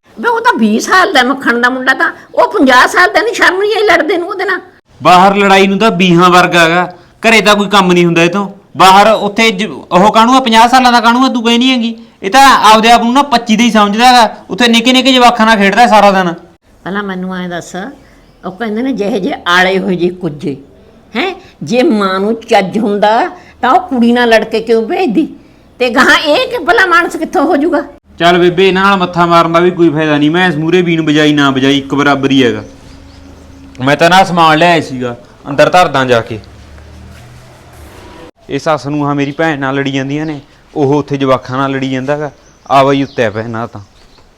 B: ਵੇ ਉਹ ਤਾਂ 20 ਸਾਲ ਦਾ ਮੱਖਣ ਦਾ ਮੁੰਡਾ ਤਾਂ ਉਹ 50 ਸਾਲ ਦਾ ਨਹੀਂ, ਸ਼ਰਮ ਨਹੀਂ ਆਈ ਲੜਦੇ ਨੂੰ ਉਹਦੇ ਨਾਲ।
A: ਬਾਹਰ ਲੜਾਈ ਨੂੰ ਤਾਂ ਬੀਹਾਂ ਵਰਗਾ ਹੈਗਾ, ਘਰੇ ਤਾਂ ਕੋਈ ਕੰਮ ਨਹੀਂ ਹੁੰਦਾ ਇਹ ਤੋਂ ਬਾਹਰ। ਉੱਥੇ ਉਹ ਕਾਹਨੂੰ ਆ 50 ਸਾਲਾਂ ਦਾ ਕਾਹਨੂੰ ਆ, ਤੂੰ ਕਹਿੰਦੀ ਹੈਗੀ। ਇਹ ਤਾਂ ਆਪਦੇ ਆਪ ਨੂੰ ਨਾ 25 ਦਾ ਹੀ ਸਮਝਦਾ ਹੈਗਾ, ਉੱਥੇ ਨਿੱਕੇ ਨਿੱਕੇ ਜਵਾਕਾਂ ਨਾਲ ਖੇਡਦਾ ਸਾਰਾ ਦਿਨ।
B: ਪਹਿਲਾਂ ਮੈਨੂੰ ਐਂ ਦੱਸ, ਉਹ ਕਹਿੰਦੇ ਨੇ ਜਿਹੇ ਜੇ ਆਲੇ ਹੋਏ ਜੇ ਕੁੱਜੇ ਹੈ, ਜੇ ਮਾਂ ਨੂੰ ਚੱਜ ਹੁੰਦਾ ਤਾਂ ਉਹ ਕੁੜੀ ਨਾਲ ਲੜ ਕੇ ਕਿਉਂ ਭੇਜਦੀ, ਤੇ ਗਾਹਾਂ ਇਹ ਕਿ ਭਲਾ ਮਾਨਸ ਕਿੱਥੋਂ ਹੋ ਜਾਊਗਾ।
A: ਚੱਲ ਬੇਬੇ, ਇਹਨਾਂ ਨਾਲ ਮੱਥਾ ਮਾਰਨ ਦਾ ਵੀ ਕੋਈ ਫਾਇਦਾ ਨਹੀਂ। ਮੈਂ ਇਸ ਮੂਰੇ ਬੀਨ ਬਜਾਈ ਨਾ ਬਜਾਈ ਇੱਕ ਬਰਾਬਰ ਹੀ ਹੈਗਾ। ਮੈਂ ਤਾਂ ਨਾ ਸਮਾਨ ਲਿਆਇਆ ਸੀਗਾ, ਅੰਦਰ ਧਰਦਾ ਜਾ ਕੇ। ਇਹ ਸੱਸ ਨੂੰ ਹਾਂ ਮੇਰੀ ਭੈਣ ਨਾਲ ਲੜੀ ਜਾਂਦੀਆਂ ਨੇ, ਉਹ ਉੱਥੇ ਜਵਾਕਾਂ ਨਾਲ ਲੜੀ ਜਾਂਦਾ ਹੈਗਾ। ਆਵਾ ਹੀ ਉੱਤੇ ਪੈ ਨਾ ਤਾਂ।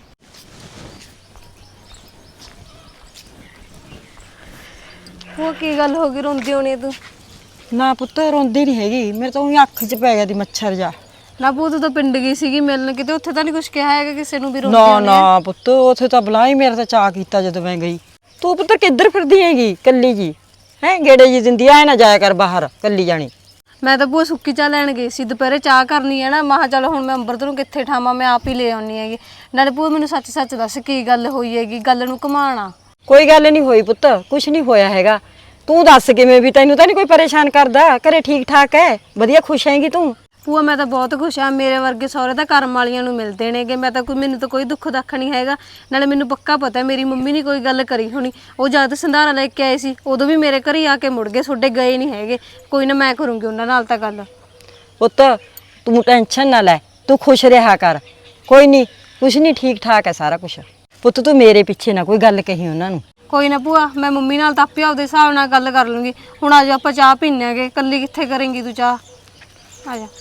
G: ਉਹ ਕੀ ਗੱਲ ਹੋ ਗਈ, ਰੋਂਦੀ ਹੋਣੀ ਤੂੰ?
D: ਨਾ ਪੁੱਤ ਰੋਂਦੀ ਨਹੀਂ ਹੈਗੀ, ਮੇਰੇ ਤਾਂ ਉਹੀ ਅੱਖ 'ਚ ਪੈ ਗਿਆ ਦੀ ਮੱਛਰ ਜਾ।
G: ਨਾ ਪੂ ਤੂੰ ਤਾਂ ਪਿੰਡ ਗਈ ਸੀਗੀ ਮਿਲਣ, ਕਿਤੇ ਉੱਥੇ ਤਾਂ ਨਹੀਂ ਕੁਝ ਕਿਹਾ ਹੈਗਾ ਕਿਸੇ ਨੂੰ ਵੀ ਰੋਂਦੀ
D: ਨਾ
G: ਹੋਣੀ ਆ?
D: ਨਾ ਪੁੱਤ ਉੱਥੇ ਤਾਂ ਬੁਲਾਈ, ਮੇਰਾ ਤਾਂ ਚਾਅ ਕੀਤਾ ਜਦੋਂ ਮੈਂ ਗਈ। ਤੂੰ ਪੁੱਤਰ ਕਿੱਧਰ ਫਿਰਦੀ ਹੈਗੀ ਕੱਲੀ ਜੀ? ਹੈ ਗੇੜੇ ਜੀ ਦਿੰਦੀ ਐ, ਨਾ ਜਾਇਆ ਕਰ ਬਾਹਰ ਕੱਲੀ ਜਾਣੀ।
G: ਮੈਂ ਤਾਂ ਭੂਆ ਸੁੱਕੀ ਚਾਹ ਲੈਣ ਗਈ ਸੀ, ਦੁਪਹਿਰੇ ਚਾਹ ਕਰਨੀ ਹੈ ਨਾ, ਮਹਾ ਚੱਲ ਹੁਣ ਮੈਂ ਅੰਬਰਤ ਨੂੰ ਕਿੱਥੇ ਠਾਵਾਂ, ਮੈਂ ਆਪ ਹੀ ਲੈ ਆਉਣੀ ਹੈਗੀ। ਨਾਲੇ ਭੂਆ ਮੈਨੂੰ ਸੱਚ ਸੱਚ ਦੱਸ ਕੀ ਗੱਲ ਹੋਈ ਹੈਗੀ, ਗੱਲ ਨੂੰ ਘੁਮਾਣਾ।
D: ਕੋਈ ਗੱਲ ਨਹੀਂ ਹੋਈ ਪੁੱਤ, ਕੁਛ ਨਹੀਂ ਹੋਇਆ ਹੈਗਾ। ਤੂੰ ਦੱਸ ਕਿਵੇਂ, ਵੀ ਤੈਨੂੰ ਤਾਂ ਨਹੀਂ ਕੋਈ ਪਰੇਸ਼ਾਨ ਕਰਦਾ? ਘਰੇ ਠੀਕ ਠਾਕ ਹੈ, ਵਧੀਆ ਖੁਸ਼ ਹੈਗੀ ਤੂੰ?
G: ਭੂਆ ਮੈਂ ਤਾਂ ਬਹੁਤ ਖੁਸ਼ ਆ, ਮੇਰੇ ਵਰਗੇ ਸਹੁਰੇ ਤਾਂ ਕਰਮ ਵਾਲੀਆਂ ਨੂੰ ਮਿਲਦੇ ਨੇਗੇ। ਮੈਂ ਤਾਂ ਮੈਨੂੰ ਤਾਂ ਕੋਈ ਦੁੱਖ ਦੱਖ ਨਹੀਂ ਹੈਗਾ। ਨਾਲੇ ਮੈਨੂੰ ਪੱਕਾ ਪਤਾ ਮੇਰੀ ਮੰਮੀ ਨੇ ਕੋਈ ਗੱਲ ਕਰੀ ਹੋਣੀ। ਉਹ ਜਦ ਸੰਧਾਰਾ ਲੈ ਕੇ ਆਏ ਸੀ ਉਦੋਂ ਵੀ ਮੇਰੇ ਘਰ ਹੀ ਆ ਕੇ ਮੁੜ ਗਏ, ਤੁਹਾਡੇ ਗਏ ਨਹੀਂ ਹੈਗੇ। ਕੋਈ ਨਾ, ਮੈਂ ਕਰੂੰਗੀ ਉਹਨਾਂ ਨਾਲ ਤਾਂ ਗੱਲ।
D: ਪੁੱਤ ਤੂੰ ਟੈਨਸ਼ਨ ਨਾ ਲੈ, ਤੂੰ ਖੁਸ਼ ਰਿਹਾ ਕਰ। ਕੋਈ ਨਹੀਂ, ਕੁਛ ਨਹੀਂ, ਠੀਕ ਠਾਕ ਹੈ ਸਾਰਾ ਕੁਛ। ਪੁੱਤ ਤੂੰ ਮੇਰੇ ਪਿੱਛੇ ਨਾ ਕੋਈ ਗੱਲ ਕਹੀ ਉਹਨਾਂ ਨੂੰ।
G: ਕੋਈ ਨਾ ਭੂਆ, ਮੈਂ ਮੰਮੀ ਨਾਲ ਤਾਂ ਆਪੇ ਆਪਦੇ ਹਿਸਾਬ ਨਾਲ ਗੱਲ ਕਰ ਲੂੰਗੀ। ਹੁਣ ਆ ਜਾ ਆਪਾਂ ਚਾਹ ਪੀਨੇ ਆਗੇ, ਕੱਲੀ ਕਿੱਥੇ ਕਰੇਂਗੀ ਤੂੰ ਚਾਹ? ਆ ਜਾ।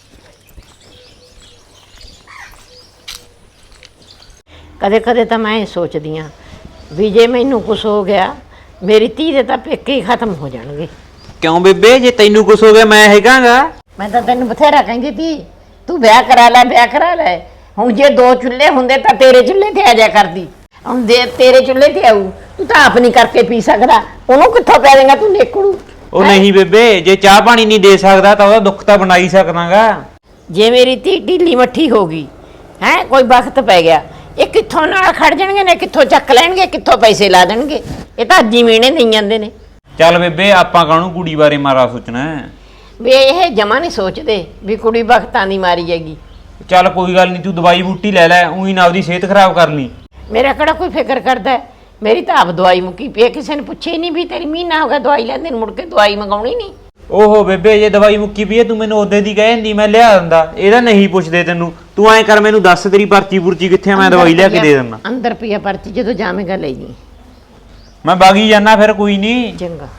B: ਕਦੇ ਕਦੇ ਤਾਂ ਮੈਂ ਇਹ ਸੋਚਦੀ ਆ ਵੀ ਜੇ ਮੈਨੂੰ ਕੁਝ ਹੋ ਗਿਆ, ਮੇਰੀ ਧੀ ਦੇ ਤਾਂ ਪੇਕੇ ਹੀ ਖਤਮ ਹੋ ਜਾਣਗੇ।
A: ਕਿਉਂ ਬੇਬੇ, ਜੇ ਤੈਨੂੰ ਕੁਛ ਹੋ ਗਿਆ ਮੈਂ ਹੈਗਾਗਾ।
B: ਮੈਂ ਤਾਂ ਤੈਨੂੰ ਬਥੇਰਾ ਕਹਿੰਦੀ ਤੀ ਤੂੰ ਵਿਆਹ ਕਰਾ ਲੈ, ਵਿਆਹ ਕਰਾ ਲੈ। ਹੁਣ ਜੇ 2 ਚੁੱਲ੍ਹੇ ਹੁੰਦੇ ਤਾਂ ਤੇਰੇ ਚੁੱਲ੍ਹੇ ਤੇ ਆ ਜਾ ਕਰਦੀ। ਹੁਣ ਦੇ ਤੇਰੇ ਚੁੱਲ੍ਹੇ ਤੇ ਆਊ, ਤੂੰ ਤਾਂ ਆਪ ਨਹੀਂ ਕਰਕੇ ਪੀ ਸਕਦਾ, ਉਹਨੂੰ ਕਿੱਥੋਂ ਪੈ ਦੇਗਾ ਤੂੰ ਨੇਕੜੂ।
A: ਉਹ ਨਹੀਂ ਬੇਬੇ, ਜੇ ਚਾਹ ਪਾਣੀ ਨਹੀਂ ਦੇ ਸਕਦਾ ਤਾਂ ਉਹਦਾ ਦੁੱਖ ਤਾਂ ਬਣਾ ਹੀ ਸਕਦਾਗਾ।
B: ਜੇ ਮੇਰੀ ਧੀ ਢੀਲੀ ਮੱਠੀ ਹੋ ਗਈ ਹੈ, ਕੋਈ ਵਕਤ ਪੈ ਗਿਆ, ਇਹ ਕਿੱਥੋਂ ਨਾਲ ਖੜ ਜਾਣਗੇ ਨੇ, ਕਿੱਥੋਂ ਚੱਕ ਲੈਣਗੇ, ਕਿੱਥੋਂ ਪੈਸੇ ਲਾ ਦੇਣਗੇ। ਇਹ ਤਾਂ ਅੱਜ ਹੀ ਮੀਣੇ ਦੇਈ ਜਾਂਦੇ ਨੇ।
A: ਚੱਲ ਬੇਬੇ, ਆਪਾਂ ਕਾਹਨੂੰ ਕੁੜੀ ਬਾਰੇ ਮਾਰਾ ਸੋਚਣਾ ਹੈ।
B: ਵੀ ਇਹ ਜਮਾ ਨਹੀਂ ਸੋਚਦੇ ਵੀ ਕੁੜੀ ਵਕਤਾਂ ਦੀ ਮਾਰੀ ਹੈਗੀ।
A: ਚੱਲ ਕੋਈ ਗੱਲ ਨਹੀਂ, ਤੂੰ ਦਵਾਈ ਬੂਟੀ ਲੈ ਲੈ, ਉਹੀ ਨਾ ਆਪਦੀ ਸਿਹਤ ਖਰਾਬ ਕਰ ਲਈ।
B: ਮੇਰਾ ਕਿਹੜਾ ਕੋਈ ਫਿਕਰ ਕਰਦਾ ਹੈ? ਮੇਰੀ ਤਾਂ ਆਪ ਦਵਾਈ ਮੁੱਕੀ ਪਈ ਹੈ, ਕਿਸੇ ਨੇ ਪੁੱਛਿਆ ਹੀ ਨਹੀਂ ਵੀ ਤੇਰੀ ਮਹੀਨਾ ਹੋ ਗਿਆ ਦਵਾਈ ਲੈਂਦੇ ਨੂੰ, ਮੁੜ ਕੇ ਦਵਾਈ ਮੰਗਾਉਣੀ ਨਹੀਂ।
A: ਓਹੋ ਬੇਬੇ, ਜੇ ਦਵਾਈ ਮੁੱਕੀ ਪਈ ਹੈ ਤੂੰ ਮੈਨੂੰ ਉਹਦੇ ਦੀ ਕਹਿ ਦਿੰਦੀ, ਮੈਂ ਲਿਆ ਦਿੰਦਾ। ਇਹਦਾ ਨਹੀਂ ਪੁੱਛਦੇ ਤੈਨੂੰ। ਤੂੰ ਐਂ ਕਰ, ਮੈਨੂੰ ਦੱਸ ਤੇਰੀ ਪਰਚੀ ਪੁਰਚੀ ਕਿੱਥੇ ਆ, ਮੈਂ ਦਵਾਈ ਲਿਆ ਕੇ ਦੇ ਦਿੰਦਾ।
B: ਅੰਦਰ ਪਈਆ ਪਰਚੀ, ਜਦੋਂ ਜਾਵੇਂਗਾ ਲੈ ਜੀ।
A: ਮੈਂ ਬਾਗੀ ਜਾਣਾ ਫਿਰ, ਕੋਈ ਨਹੀਂ।
B: ਚੰਗਾ।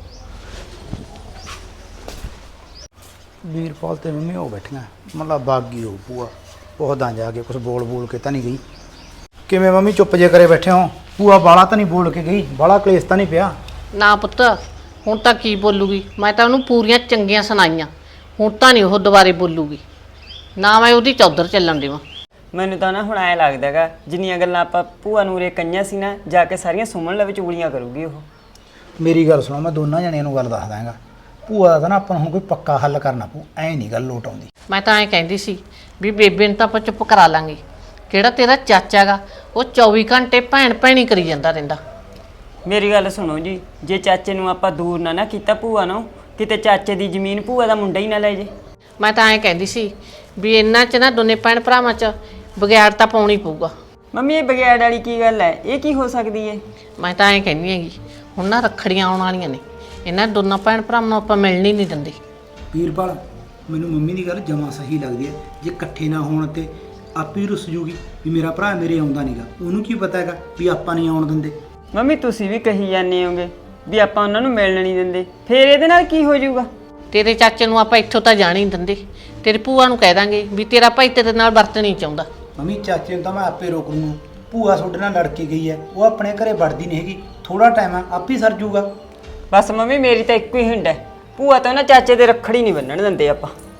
E: ਵੀਰਪਾਲ ਤੇ ਮੰਮੀ ਉਹ ਬੈਠੀਆਂ, ਮਤਲਬ ਬਾਗੀ ਹੋ ਭੂਆ। ਪੁੱਛਦਾ ਜਾ ਕੇ, ਕੁਝ ਬੋਲ ਕੇ ਤਾਂ ਨਹੀਂ ਗਈ? ਕਿਵੇਂ ਮੰਮੀ ਚੁੱਪ ਜੇ ਕਰੇ ਬੈਠੇ ਹੋ? ਭੂਆ ਬਾਲਾ ਤਾਂ ਨਹੀਂ ਬੋਲ ਕੇ ਗਈ? ਬਾਲਾ ਕਲੇਸ਼ ਤਾਂ ਨਹੀਂ ਪਿਆ?
C: ਨਾ ਪੁੱਤ, ਹੁਣ ਤਾਂ ਕੀ ਬੋਲੂਗੀ? ਮੈਂ ਤਾਂ ਉਹਨੂੰ ਪੂਰੀਆਂ ਚੰਗੀਆਂ ਸੁਣਾਈਆਂ, ਹੁਣ ਤਾਂ ਨਹੀਂ ਉਹ ਦੁਬਾਰੇ ਬੋਲੂਗੀ। ਨਾ ਮੈਂ ਉਹਦੀ ਚੌਧਰ ਚੱਲਣ ਦੇਵਾਂ।
H: ਮੈਨੂੰ ਤਾਂ ਨਾ ਹੁਣ ਐ ਲੱਗਦਾਗਾ ਜਿੰਨੀਆਂ ਗੱਲਾਂ ਆਪਾਂ ਭੂਆ ਨੂੰ ਉਰੇ ਕਈਆਂ ਸੀ ਨਾ, ਜਾ ਕੇ ਸਾਰੀਆਂ ਸੁਮਨ ਲਵੇ ਚੁਗਲੀਆਂ ਕਰੂਗੀ ਉਹ।
E: ਮੇਰੀ ਗੱਲ ਸੁਣੋ, ਮੈਂ ਦੋਨਾਂ ਜਣਿਆਂ ਨੂੰ ਗੱਲ ਦੱਸ ਦਾਂਗਾ। ਭੂਆ ਦਾ ਨਾ ਆਪਾਂ ਨੂੰ ਹੁਣ ਕੋਈ ਪੱਕਾ ਹੱਲ ਕਰਨਾ ਪਊ, ਐ ਨਹੀਂ ਗੱਲ ਲੋਟ ਆਉਂਦੀ।
C: ਮੈਂ ਤਾਂ ਐਂ ਕਹਿੰਦੀ ਸੀ ਵੀ ਬੇਬੇ ਨੂੰ ਤਾਂ ਆਪਾਂ ਚੁੱਪ ਕਰਾ ਲਾਂਗੇ। ਕਿਹੜਾ ਤੇਰਾ ਚਾਚਾ ਗਾ, ਉਹ 24 ਘੰਟੇ ਭੈਣ ਭੈਣੀ ਕਰੀ ਜਾਂਦਾ ਰਹਿੰਦਾ।
H: ਮੇਰੀ ਗੱਲ ਸੁਣੋ ਜੀ, ਜੇ ਚਾਚੇ ਨੂੰ ਆਪਾਂ ਦੂਰ ਨਾ ਕੀਤਾ ਭੂਆ ਨੂੰ, ਕਿਤੇ ਚਾਚੇ ਦੀ ਜ਼ਮੀਨ ਭੂਆ ਦਾ ਮੁੰਡਾ ਹੀ ਨਾ ਲੈ ਜੇ।
C: ਮੈਂ ਤਾਂ ਐਂ ਕਹਿੰਦੀ ਸੀ ਵੀ ਇਹਨਾਂ 'ਚ ਨਾ ਦੋਨੇ ਭੈਣ ਭਰਾਵਾਂ 'ਚ ਬਗਿਆੜ ਤਾਂ ਪਾਉਣੀ ਪਊਗਾ।
H: ਮੰਮੀ ਇਹ ਬਗੈੜ ਵਾਲੀ ਕੀ ਗੱਲ ਹੈ? ਇਹ ਕੀ ਹੋ ਸਕਦੀ ਹੈ?
C: ਮੈਂ ਤਾਂ ਐਂ ਕਹਿੰਦੀ ਹੈਗੀ, ਹੁਣ ਨਾ ਰੱਖੜੀਆਂ ਆਉਣ ਵਾਲੀਆਂ ਨੇ, ਇਹਨਾਂ ਦੋਨਾਂ ਭੈਣ ਭਰਾਵਾਂ ਨੂੰ ਆਪਾਂ ਮਿਲਣ ਹੀ ਨਹੀਂ ਦਿੰਦੇ।
E: ਵੀਰਪਾਲ, ਮੈਨੂੰ ਮੰਮੀ ਦੀ ਗੱਲ ਜਮਾਂ ਸਹੀ ਲੱਗਦੀ ਹੈ। ਜੇ ਇਕੱਠੇ ਨਾ ਹੋਣ ਤੇ ਆਪੇ ਰੁੱਸ ਜੂਗੀ ਵੀ ਮੇਰਾ ਭਰਾ ਮੇਰੇ ਆਉਂਦਾ ਨਹੀਂਗਾ। ਉਹਨੂੰ ਕੀ ਪਤਾ ਹੈਗਾ ਵੀ ਆਪਾਂ ਨਹੀਂ ਆਉਣ ਦਿੰਦੇ।
H: ਮੰਮੀ ਤੁਸੀਂ ਵੀ ਕਹੀ ਜਾਂਦੇ ਹੋਗੇ ਵੀ ਆਪਾਂ ਉਹਨਾਂ ਨੂੰ ਮਿਲਣ ਨਹੀਂ ਦਿੰਦੇ, ਫੇਰ ਇਹਦੇ ਨਾਲ ਕੀ ਹੋ ਜਾਊਗਾ?
C: ਤੇਰੇ ਚਾਚੇ ਨੂੰ ਆਪਾਂ ਇੱਥੋਂ ਤਾਂ ਜਾਣ ਹੀ ਨਹੀਂ ਦਿੰਦੇ। ਤੇਰੀ ਭੂਆ ਨੂੰ ਕਹਿ ਦਾਂਗੇ ਵੀ ਤੇਰਾ ਭਾਈ ਤੇਰੇ ਨਾਲ ਵਰਤ ਨਹੀਂ ਚਾਹੁੰਦਾ।
E: ਮੰਮੀ ਚਾਚੇ ਨੂੰ ਤਾਂ ਮੈਂ ਆਪੇ ਰੋਕ ਲੂੰਗਾ। ਭੂਆ ਤੁਹਾਡੇ ਨਾਲ ਲੜ ਕੇ ਗਈ ਹੈ, ਉਹ ਆਪਣੇ ਘਰੇ ਵੜਦੀ ਨਹੀਂ ਹੈਗੀ। ਥੋੜਾ ਟਾਈਮ ਆ, ਆਪੇ ਸਰ ਜੂਗਾ।
H: ਬਸ ਮੰਮੀ ਮੇਰੀ ਤਾਂ ਇੱਕੋ ਹੀ ਹਿੰਡ ਹੈ, ਭੂਆ ਤਾਂ ਨਾ ਚਾਚੇ ਦੇ ਰੱਖੜੀ ਨਹੀਂ ਬੰਨਣ ਦਿੰਦੇ ਆਪਾਂ।